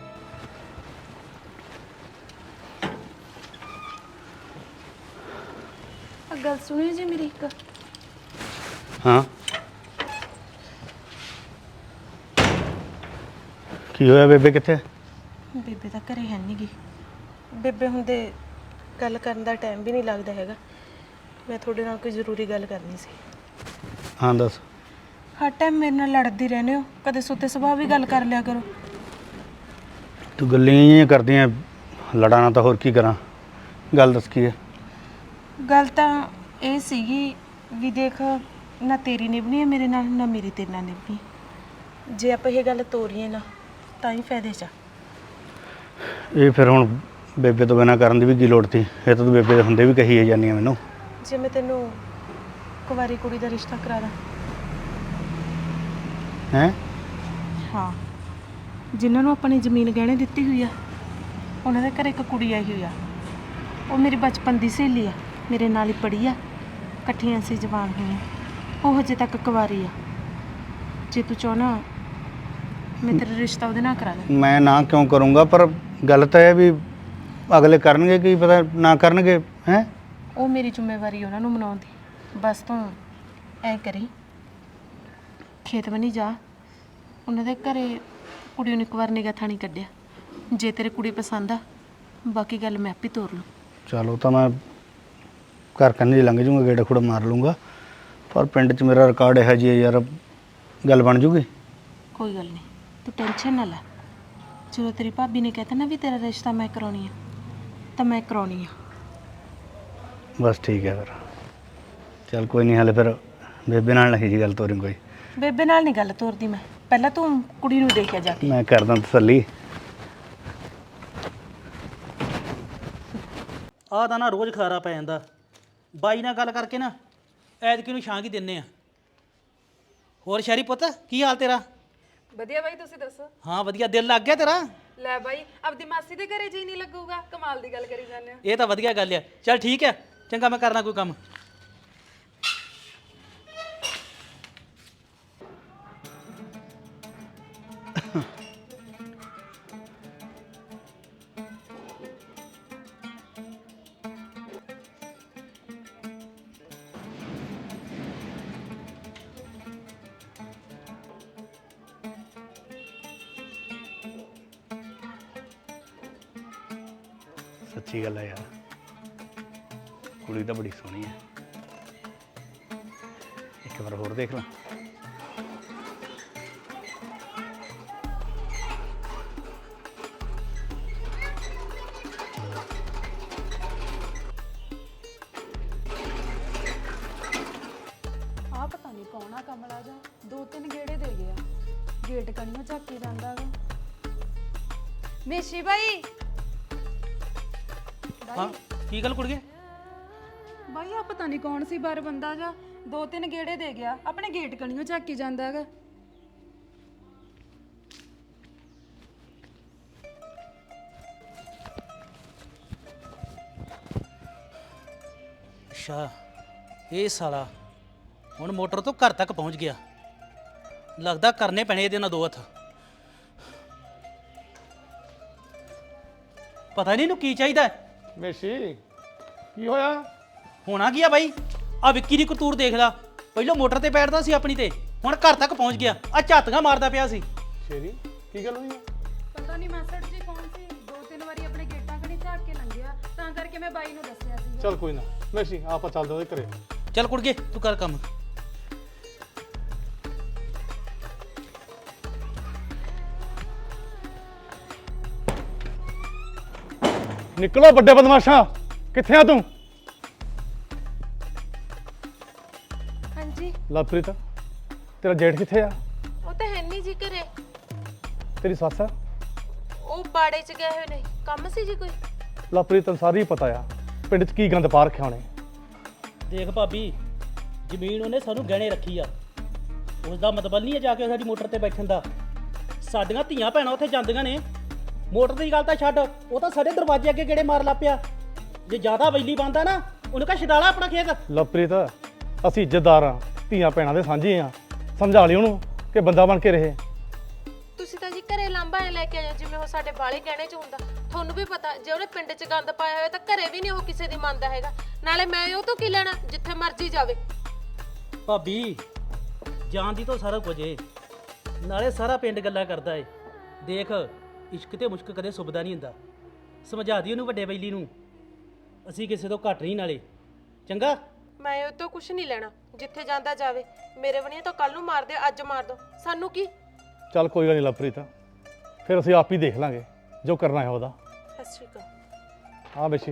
[SPEAKER 2] ਆ ਗੱਲ ਸੁਣਿਓ ਜੀ ਮੇਰੀ ਇੱਕ।
[SPEAKER 1] ਹਾਂ ਕੀ ਹੋਇਆ? ਬੇਬੇ ਕਿੱਥੇ?
[SPEAKER 2] ਬੇਬੇ ਤਾਂ ਘਰੇ ਹੈ ਨਹੀਂ ਗੀ। ਬੇਬੇ ਹੁੰਦੇ ਗੱਲ ਕਰਨ ਦਾ ਟਾਈਮ ਵੀ ਨਹੀਂ ਲੱਗਦਾ ਹੈਗਾ। ਮੈਂ ਤੁਹਾਡੇ ਨਾਲ ਕੋਈ ਜ਼ਰੂਰੀ ਗੱਲ ਕਰਨੀ ਸੀ।
[SPEAKER 1] ਹਾਂ ਦੱਸ।
[SPEAKER 2] ਹਰ ਟਾਈਮ ਮੇਰੇ ਨਾਲ ਲੜਦੀ ਰਹਿੰਦੇ ਹੋ, ਕਦੇ ਸੁੱਤੇ ਸੁਭਾਅ ਵੀ ਗੱਲ ਕਰ ਲਿਆ ਕਰੋ।
[SPEAKER 1] ਤੂੰ ਗੱਲਾਂ ਹੀ ਕਰਦੀਆਂ, ਲੜਾਣਾ ਤਾਂ ਹੋਰ ਕੀ ਕਰਾਂ? ਗੱਲ ਦੱਸ ਕੀ ਹੈ?
[SPEAKER 2] ਗੱਲ ਤਾਂ ਇਹ ਸੀਗੀ ਵੀ ਦੇਖ, ਨਾ ਤੇਰੀ ਨਿਭਣੀ ਹੈ ਮੇਰੇ ਨਾਲ, ਨਾ ਮੇਰੀ ਤੇਰੇ ਨਾਲ ਨਿਭਣੀ। ਜੇ ਆਪਾਂ ਇਹ ਗੱਲ ਤੋਰੀਏ ਨਾ ਤਾਂ ਹੀ ਫਾਇਦੇ 'ਚ ਆ।
[SPEAKER 1] ਇਹ ਫਿਰ ਹੁਣ ਬੇਬੇ ਤੋਂ ਬਿਨਾਂ ਕਰਨ ਦੀ ਵੀ ਕੀ ਲੋੜ ਸੀ? ਇਹ ਤਾਂ ਤੂੰ ਬੇਬੇ ਦੇ ਹੁੰਦੇ ਵੀ ਕਹੀ ਜਾਂਦੀ ਆ ਮੈਨੂੰ।
[SPEAKER 2] ਜੇ ਮੈਂ ਤੈਨੂੰ ਕੁਵਾਰੀ ਕੁੜੀ ਦਾ ਰਿਸ਼ਤਾ ਕਰਾ ਦਾਂ?
[SPEAKER 1] ਹੈਂ?
[SPEAKER 2] ਹਾਂ, ਜਿਨ੍ਹਾਂ ਨੂੰ ਆਪਣੀ ਜ਼ਮੀਨ ਗਹਿਣੇ ਦਿੱਤੀ ਹੋਈ ਆ, ਉਹਨਾਂ ਦੇ ਘਰ ਇੱਕ ਕੁੜੀ ਆਈ ਹੋਈ ਆ। ਉਹ ਮੇਰੀ ਬਚਪਨ ਦੀ ਸਹੇਲੀ ਆ, ਮੇਰੇ ਨਾਲ ਹੀ ਪੜ੍ਹੀ ਆ, ਇਕੱਠੀਆਂ ਸੀ ਜਵਾਨ ਹੋਈਆਂ। ਉਹ ਹਜੇ ਤੱਕ ਕੁਵਾਰੀ ਆ। ਜੇ ਤੂੰ ਚਾਹੁੰਦਾ ਮੈਂ ਤੇਰਾ ਰਿਸ਼ਤਾ ਉਹਦੇ ਨਾਲ ਕਰਾ ਦਾਂ।
[SPEAKER 1] ਮੈਂ ਨਾ ਕਿਉਂ ਕਰੂੰਗਾ? ਪਰ ਗੱਲ ਤਾਂ ਇਹ ਵੀ ਅਗਲੇ ਕਰਨਗੇ, ਕੀ ਪਤਾ ਨਾ ਕਰਨਗੇ। ਹੈਂ?
[SPEAKER 2] ਉਹ ਮੇਰੀ ਜ਼ਿੰਮੇਵਾਰੀ ਉਹਨਾਂ ਨੂੰ ਮਨਾਉਣ ਦੀ। ਬਸ ਤੂੰ ਐ ਕਰੀ, ਖੇਤ ਬਣੀ ਜਾ, ਉਹਨਾਂ ਦੇ ਘਰੇ ਕੁੜੀ ਨੂੰ ਇੱਕ ਵਾਰ ਨਿਗਾਹ ਥਾਣੀ ਕੱਢਿਆ। ਜੇ ਤੇਰੇ ਕੁੜੀ ਪਸੰਦ ਆ, ਬਾਕੀ ਗੱਲ ਮੈਂ ਆਪੇ ਤੋਰ ਲੂੰ।
[SPEAKER 1] ਚਲੋ ਤਾਂ ਮੈਂ ਘਰ ਕੰਨੀ ਲੰਘ ਜੂੰਗਾ, ਗੇੜਾ ਖੁੜਾ ਮਾਰ ਲੂੰਗਾ, ਪਰ ਪਿੰਡ 'ਚ ਮੇਰਾ ਰਿਕਾਰਡ ਇਹੋ ਜਿਹੀ ਹੈ ਯਾਰ, ਗੱਲ ਬਣ ਜੂਗੀ?
[SPEAKER 2] ਕੋਈ ਗੱਲ ਨਹੀਂ, ਤੂੰ ਟੈਨਸ਼ਨ ਨਾ ਲੈ। ਜਦੋਂ ਤੇਰੀ ਭਾਬੀ ਨੇ ਕਹਿਤਾ ਨਾ ਵੀ ਤੇਰਾ ਰਿਸ਼ਤਾ ਮੈਂ ਕਰਾਉਣੀ ਆ, ਤਾਂ ਮੈਂ ਕਰਾਉਣੀ ਆ।
[SPEAKER 1] ਬਸ ਠੀਕ ਹੈ ਫਿਰ। ਚੱਲ ਕੋਈ ਨਹੀਂ, ਹਾਲੇ ਫਿਰ ਬੇਬੇ ਨਾਲ ਨਹੀਂ ਜੀ ਗੱਲ ਤੋਰੀ ਕੋਈ।
[SPEAKER 2] ਬੇਬੇ ਨਾਲ ਨਹੀਂ ਗੱਲ ਤੋਰਦੀ ਮੈਂ, ਪਹਿਲਾਂ ਤੂੰ ਕੁੜੀ ਨੂੰ ਦੇਖਿਆ ਜਾ ਕੇ।
[SPEAKER 1] ਮੈਂ ਕਰਦਾ ਤਸੱਲੀ।
[SPEAKER 10] ਆਹ ਤਾਂ ਨਾ ਰੋਜ਼ ਖਲਾਰਾ ਪੈ ਜਾਂਦਾ। ਬਾਈ ਨਾਲ ਗੱਲ ਕਰਕੇ ਨਾ ਐਤਕੀ ਨੂੰ ਛਾਂ ਕੀ ਦਿੰਨੇ ਆ। ਹੋਰ ਸ਼ਹਿਰੀ ਪੁੱਤ, ਕੀ ਹਾਲ ਤੇਰਾ?
[SPEAKER 11] ਵਧੀਆ ਬਾਈ, ਤੁਸੀਂ ਦੱਸੋ?
[SPEAKER 10] ਹਾਂ ਵਧੀਆ, ਦਿਲ ਲੱਗ ਗਿਆ ਤੇਰਾ?
[SPEAKER 11] ਲੈ ਬਾਈ, ਆਪਦੀ ਮਾਸੀ ਦੇ ਘਰੇ ਜੀ ਨਹੀਂ ਲੱਗੂਗਾ? ਕਮਾਲ ਦੀ ਗੱਲ ਕਰੀ ਜਾਂਦੇ ਹੋ।
[SPEAKER 10] ਇਹ ਤਾਂ ਵਧੀਆ ਗੱਲ ਆ। ਚੱਲ ਠੀਕ ਹੈ, ਚੰਗਾ ਮੈਂ ਕਰਨਾ ਕੋਈ ਕੰਮ।
[SPEAKER 1] ਸੱਚੀ ਗੱਲ ਹੈ ਯਾਰ, ਕੁੜੀ ਤਾਂ ਬੜੀ ਸੋਹਣੀ ਹੈ। ਇੱਕ ਵਾਰ ਹੋਰ ਦੇਖ ਲਾਂ।
[SPEAKER 11] ਆਹ ਪਤਾ ਨਹੀਂ ਕੌਣ ਆ ਕਮਲਾ ਜਾ, ਦੋ ਤਿੰਨ ਗੇੜੇ ਦੇ ਗਿਆ, ਗੇਟ ਕਣੀਆਂ ਝਾਕੀ ਜਾਂਦਾ ਗਾ। ਮੇਸ਼ੀ ਬਾਈ,
[SPEAKER 10] ਹਾਂ ਕੀ ਗੱਲ ਕੁੜੀਏ?
[SPEAKER 11] ਬਾਈ ਆ ਪਤਾ ਨਹੀਂ ਕੌਣ ਸੀ ਬਾਰ ਬੰਦਾ ਜਾ, ਦੋ ਤਿੰਨ ਗੇੜੇ ਦੇ ਗਿਆ, ਆਪਣੇ ਗੇਟ ਕਣੀਆਂ ਝਾਕੀ ਜਾਂਦਾ ਗਾ।
[SPEAKER 10] ਅੱਛਾ, ਇਹ ਸਾਲਾ ਹੁਣ ਮੋਟਰ ਤੋਂ ਘਰ ਤੱਕ ਪਹੁੰਚ ਗਿਆ। ਲੱਗਦਾ ਕਰਨੇ ਪੈਣੇ ਇਹਦੇ ਨਾਲ ਦੋ ਹੱਥ। ਪਤਾ ਨਹੀਂ ਇਹਨੂੰ ਕੀ ਚਾਹੀਦਾ ਹੈ।
[SPEAKER 9] ਮੇਸ਼ੀ ਕੀ ਹੋਇਆ?
[SPEAKER 10] ਹੋਣਾ ਕੀ ਆ ਬਾਈ, ਆ ਵਿੱਕੀ ਦੀ ਕਰਤੂਰ ਦੇਖ ਲਾ। ਪਹਿਲਾਂ ਮੋਟਰ ਤੇ ਬੈਠਦਾ ਸੀ ਆਪਣੀ ਤੇ, ਹੁਣ ਘਰ ਤੱਕ ਪਹੁੰਚ ਗਿਆ, ਆ ਝਾਤੀਆਂ ਮਾਰਦਾ ਪਿਆ ਸੀ।
[SPEAKER 9] ਸ਼ੇਰੀ ਕੀ ਗੱਲ ਹੋਈ ਆ?
[SPEAKER 11] ਪਤਾ ਨਹੀਂ ਮਾਸੜ ਜੀ ਕੌਣ ਸੀ, ਦੋ ਤਿੰਨ ਵਾਰੀ ਆਪਣੇ ਗੇਟਾਂ ਕਣੀ ਝਾਕ ਕੇ ਲੰਘਿਆ, ਤਾਂ ਕਰਕੇ ਮੈਂ ਬਾਈ ਨੂੰ ਦੱਸਿਆ ਸੀ।
[SPEAKER 9] ਚੱਲ ਕੋਈ ਨਾ ਮੇਸ਼ੀ ਆਪਾਂ ਚੱਲਦੇ ਉਹਦੇ ਘਰੇ।
[SPEAKER 10] ਚੱਲ ਕੁੜਗੇ ਤੂੰ ਕਰ ਕੰਮ।
[SPEAKER 9] ਨਿਕਲੋ ਵੱਡੇ ਬਦਮਾਸ਼ਾ, ਕਿੱਥੇ ਆ ਤੂੰ?
[SPEAKER 2] ਹਾਂਜੀ,
[SPEAKER 9] ਲਵਪ੍ਰੀਤ ਤੇਰਾ ਜੇਠ ਕਿੱਥੇ ਆ?
[SPEAKER 2] ਉਹ ਤਾਂ ਹੈ ਨਹੀਂ ਜੀ ਘਰੇ,
[SPEAKER 9] ਤੇਰੀ ਸੱਸ ਆ?
[SPEAKER 2] ਉਹ ਬਾੜੇ 'ਚ ਗਏ ਹੋਏ ਨੇ, ਕੰਮ ਸੀ ਜੀ ਕੋਈ?
[SPEAKER 9] ਲਵਪ੍ਰੀਤ ਤੈਨੂੰ ਸਾਰੀ ਪਤਾ ਆ ਪਿੰਡ 'ਚ ਕੀ ਗੰਦ ਪਾ ਰੱਖਿਆ ਉਹਨੇ।
[SPEAKER 10] ਦੇਖ ਭਾਬੀ, ਜ਼ਮੀਨ ਉਹਨੇ ਸਾਨੂੰ ਗਹਿਣੇ ਰੱਖੀ ਆ, ਉਸ ਦਾ ਮਤਲਬ ਨਹੀਂ ਹੈ ਜਾ ਕੇ ਸਾਡੀ ਮੋਟਰ ਤੇ ਬੈਠਣ ਦਾ। ਸਾਡੀਆਂ ਧੀਆਂ ਭੈਣਾਂ ਉੱਥੇ ਜਾਂਦੀਆਂ ਨੇ, ਮੋਟਰ ਦੀ ਗੱਲ ਤਾਂ ਛੱਡ, ਉਹ ਤਾਂ ਸਾਡੇ ਦਰਵਾਜ਼ੇ ਅੱਗੇ ਗੇੜੇ ਮਾਰ ਲਾ ਪਿਆ। ਜੇ ਜ਼ਿਆਦਾ ਬਿਜਲੀ ਬੰਦਾ ਨਾ, ਉਹਨੂੰ ਕਹ ਛਡਾਲਾ ਆਪਣਾ ਖੇਤ।
[SPEAKER 9] ਲਵਪ੍ਰੀਤ ਅਸੀਂ ਇੱਜ਼ਤਦਾਰ ਆ, ਧੀਆਂ ਭੈਣਾਂ ਦੇ ਸਾਂਝੇ ਆ, ਸਮਝਾ ਲਈ ਉਹਨੂੰ ਕਿ ਬੰਦਾ ਬਣ ਕੇ ਰਹੇ।
[SPEAKER 2] ਤੁਸੀਂ ਤਾਂ ਜੀ ਘਰੇ ਲਾਂਭਾ ਐ ਲੈ ਕੇ ਆਇਓ ਜਿਵੇਂ ਉਹ ਸਾਡੇ ਬਾਲੇ ਗਹਿਣੇ 'ਚ ਹੁੰਦਾ। ਤੁਹਾਨੂੰ ਵੀ ਪਤਾ ਜੇ ਉਹਨੇ ਪਿੰਡ 'ਚ ਗੰਦ ਪਾਇਆ ਹੋਇਆ ਤਾਂ ਘਰੇ ਵੀ ਨਹੀਂ ਉਹ ਕਿਸੇ ਦੀ ਮੰਨਦਾ ਹੈਗਾ। ਨਾਲੇ ਮੈਂ ਉਹ ਤੋਂ ਕੀ ਲੈਣਾ, ਜਿੱਥੇ ਮਰਜ਼ੀ ਜਾਵੇ।
[SPEAKER 10] ਭਾਬੀ ਜਾਣਦੀ ਤਾਂ ਸਾਰਾ ਕੁਝ ਏ, ਨਾਲੇ ਸਾਰਾ ਪਿੰਡ ਗੱਲਾਂ ਕਰਦਾ ਏ। ਦੇਖ ਇਸ਼ਕ ਤੇ ਮੁਸ਼ਕ ਕਦੇ ਸੁਭਦਾ ਨਹੀਂ ਹੁੰਦਾ, ਸਮਝਾ ਦੀ ਉਹਨੂੰ ਵੱਡੇ ਬੈਲੀ ਨੂੰ, ਅਸੀਂ ਕਿਸੇ ਤੋਂ ਘੱਟ ਨਹੀਂ ਨਾਲੇ। ਚੰਗਾ,
[SPEAKER 2] ਮੈਂ ਉਹ ਤੋਂ ਕੁਝ ਨਹੀਂ ਲੈਣਾ, ਜਿੱਥੇ ਜਾਂਦਾ ਜਾਵੇ। ਮੇਰੇ ਬਣੀਆਂ ਤਾਂ ਕੱਲ ਨੂੰ ਮਾਰ ਦਿਓ, ਅੱਜ ਮਾਰ ਦੋ, ਸਾਨੂੰ ਕੀ।
[SPEAKER 9] ਚੱਲ ਕੋਈ ਗੱਲ ਨਹੀਂ ਲਵਪ੍ਰੀਤ, ਫਿਰ ਅਸੀਂ ਆਪ ਹੀ ਦੇਖ ਲਾਂਗੇ ਜੋ ਕਰਨਾ ਹੈ ਉਹਦਾ।
[SPEAKER 2] ਸਤਿ ਸ਼੍ਰੀ ਅਕਾਲ।
[SPEAKER 9] ਹਾਂ ਮੇਸ਼ੀ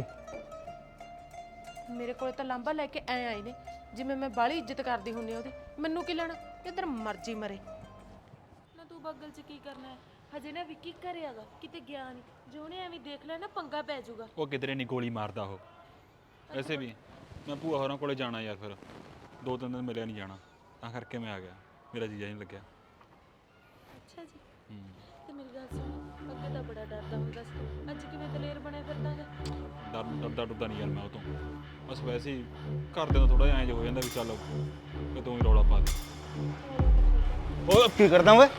[SPEAKER 2] ਮੇਰੇ ਕੋਲ ਤਾਂ ਲਾਂਭਾ ਲੈ ਕੇ ਐ ਆਏ ਨੇ ਜਿਵੇਂ ਮੈਂ ਬਾਹਲੀ ਇੱਜ਼ਤ ਕਰਦੀ ਹੁੰਦੀ ਉਹਦੀ। ਮੈਨੂੰ ਕੀ ਲੈਣਾ, ਜਿੱਧਰ ਮਰਜ਼ੀ ਮਰੇ ਨਾ। ਤੂੰ ਬੱਗਲ 'ਚ ਕੀ ਕਰਨਾ ਹੈ? ਹਜੇ ਨਾ ਵਿੱਕੀ ਘਰੇ ਹੈਗਾ, ਕਿਤੇ ਗਿਆ ਨਹੀਂ। ਜੇ ਉਹਨੇ ਐਵੇਂ ਦੇਖ ਲਿਆ ਨਾ ਪੰਗਾ ਪੈ ਜਾਊਗਾ।
[SPEAKER 5] ਉਹ ਕਿਧਰੇ ਨਹੀਂ ਗੋਲੀ ਮਾਰਦਾ ਉਹ। ਵੈਸੇ ਵੀ ਮੈਂ ਭੂਆ ਹੋਰਾਂ ਕੋਲੇ ਜਾਣਾ ਯਾਰ, ਫਿਰ ਦੋ ਤਿੰਨ ਦਿਨ ਮਿਲਿਆ ਨਹੀਂ ਜਾਣਾ, ਤਾਂ ਕਰਕੇ ਮੈਂ ਆ ਗਿਆ, ਮੇਰਾ ਜੀਜਾ ਨਹੀਂ ਲੱਗਿਆ।
[SPEAKER 2] ਅੱਛਾ ਜੀ। ਤੇ ਮੇਰੀ ਗੱਲ ਸੁਣ, ਅੱਗੇ ਤਾਂ ਬੜਾ ਡਰਦਾ ਹੁੰਦਾ ਸੀ, ਅੱਜ ਕਿਵੇਂ ਦਲੇਰ ਬਣਿਆ ਫਿਰਦਾਗਾ?
[SPEAKER 5] ਡਰ ਡਰਦਾ ਡਰਦਾ ਨਹੀਂ ਯਾਰ ਮੈਂ ਉਹ ਤੋਂ, ਬਸ ਵੈਸੇ ਹੀ ਘਰਦਿਆਂ ਦਾ ਥੋੜਾ ਜਿਹਾ ਐਂ ਜਿਹਾ ਹੋ ਜਾਂਦਾ ਵੀ ਚੱਲ ਕਿ ਤੂੰ ਹੀ ਰੌਲਾ ਪਾ ਦੇ।
[SPEAKER 1] ਉਹ ਕੀ ਕਰਦਾ ਓਏ?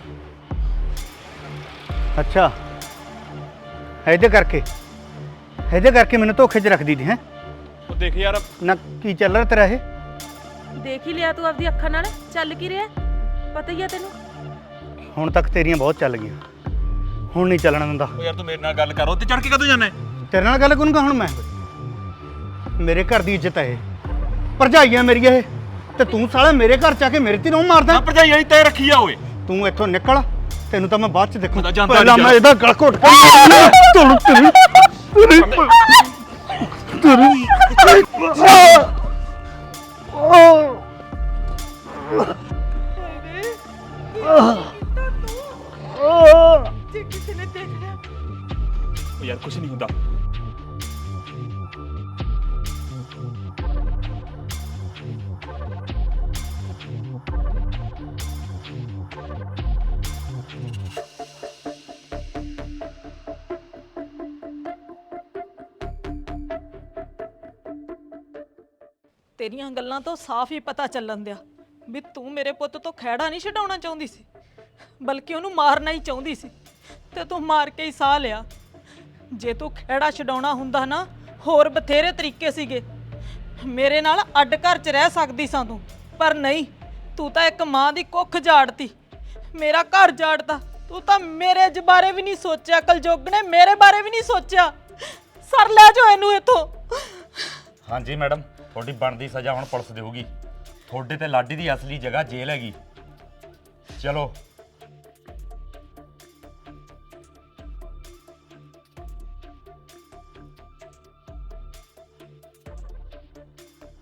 [SPEAKER 1] ਅੱਛਾ ਇਹਦੇ ਕਰਕੇ ਇਹਦੇ ਕਰਕੇ ਮੈਨੂੰ ਧੋਖੇ 'ਚ ਰੱਖਦੀ ਦੀ ਹੈ।
[SPEAKER 5] ਉਹ ਦੇਖ ਯਾਰ
[SPEAKER 1] ਨਾ ਕੀ ਚੱਲ ਰਿਹਾ ਤੇਰਾ ਇਹ?
[SPEAKER 2] ਦੇਖ ਹੀ ਲਿਆ ਤੂੰ ਆਪਦੀ ਅੱਖਾਂ ਨਾਲ, ਚੱਲ ਕੀ ਰਿਹਾ ਪਤਾ ਹੀ ਆ ਤੈਨੂੰ।
[SPEAKER 1] ਹੁਣ ਤੱਕ ਤੇਰੀਆਂ ਬਹੁਤ ਚੱਲ ਗਈਆਂ, ਹੁਣ ਨਹੀਂ ਚੱਲਣ ਦਿੰਦਾ।
[SPEAKER 5] ਉਹ ਯਾਰ ਤੂੰ ਮੇਰੇ ਨਾਲ ਗੱਲ ਕਰ, ਉੱਤੇ ਚੜ ਕੇ ਕਦੋਂ ਜਾਣਾ?
[SPEAKER 1] ਤੇਰੇ ਨਾਲ ਗੱਲ ਕਰੂੰਗਾ ਹੁਣ ਮੈਂ। ਮੇਰੇ ਘਰ ਦੀ ਇੱਜ਼ਤ ਹੈ ਇਹ, ਭਰਜਾਈਆਂ ਮੇਰੀਆਂ ਇਹ, ਤੇ ਤੂੰ ਸਾਲਾ ਮੇਰੇ ਘਰ 'ਚ ਆ ਕੇ ਮੇਰੇ ਤੇ ਰੋਹ ਮਾਰਦਾ।
[SPEAKER 5] ਭਰਜਾਈ ਵਾਲੀ ਤੈ ਰੱਖੀ ਆ ਓਏ।
[SPEAKER 1] ਤੂੰ ਇੱਥੋਂ ਨਿਕਲ, ਤੈਨੂੰ ਤਾਂ ਮੈਂ ਬਾਅਦ 'ਚ ਦੇਖੂ।
[SPEAKER 5] ਮੈਂ ਤਾਂ ਜਾਂਦਾ
[SPEAKER 1] ਪਹਿਲਾਂ
[SPEAKER 5] ਨਹੀਂ
[SPEAKER 1] ਮੈਂ ਇਹਦਾ ਗਲ ਘੁੱਟ ਕੇ ਤੁਰ ਤੁਰ
[SPEAKER 2] ਜੇ ਕਿਸੇ ਨੇ ਦੇਖ ਲਿਆ।
[SPEAKER 5] ਉਹ ਯਾਰ ਕੁਛ ਨਹੀਂ ਹੁੰਦਾ।
[SPEAKER 3] ਤੇਰੀਆਂ ਗੱਲਾਂ ਤੋਂ ਸਾਫ਼ ਹੀ ਪਤਾ ਚੱਲਣ ਦਿਆ ਵੀ ਤੂੰ ਮੇਰੇ ਪੁੱਤ ਤੋਂ ਖਹਿੜਾ ਨਹੀਂ ਛਡਾਉਣਾ ਚਾਹੁੰਦੀ ਸੀ, ਬਲਕਿ ਉਹਨੂੰ ਮਾਰਨਾ ਹੀ ਚਾਹੁੰਦੀ ਸੀ, ਤੇ ਤੂੰ ਮਾਰ ਕੇ ਹੀ ਸਾਹ ਲਿਆ। ਜੇ ਤੂੰ ਖਹਿੜਾ ਛਡਾਉਣਾ ਹੁੰਦਾ ਨਾ, ਹੋਰ ਬਥੇਰੇ ਤਰੀਕੇ ਸੀਗੇ, ਮੇਰੇ ਨਾਲ ਅੱਡ ਘਰ 'ਚ ਰਹਿ ਸਕਦੀ ਸਾਂ ਤੂੰ, ਪਰ ਨਹੀਂ, ਤੂੰ ਤਾਂ ਇੱਕ ਮਾਂ ਦੀ ਕੁੱਖ ਝਾੜਤੀ, ਮੇਰਾ ਘਰ ਝਾੜਤਾ। ਤੂੰ ਤਾਂ ਮੇਰੇ ਜ ਬਾਰੇ ਵੀ ਨਹੀਂ ਸੋਚਿਆ, ਕਲਯੁੱਗ ਨੇ ਮੇਰੇ ਬਾਰੇ ਵੀ ਨਹੀਂ ਸੋਚਿਆ। ਸਰ ਲੈ ਜਾਓ ਇਹਨੂੰ ਇੱਥੋਂ।
[SPEAKER 8] ਹਾਂਜੀ ਮੈਡਮ, ਤੁਹਾਡੀ ਬਣਦੀ ਸਜ਼ਾ ਹੁਣ ਪੁਲਿਸ ਦੇਊਗੀ। ਤੁਹਾਡੇ ਤੇ ਲਾਡੀ ਦੀ ਅਸਲੀ ਜਗ੍ਹਾ ਜੇਲ੍ਹ ਹੈਗੀ। ਚਲੋ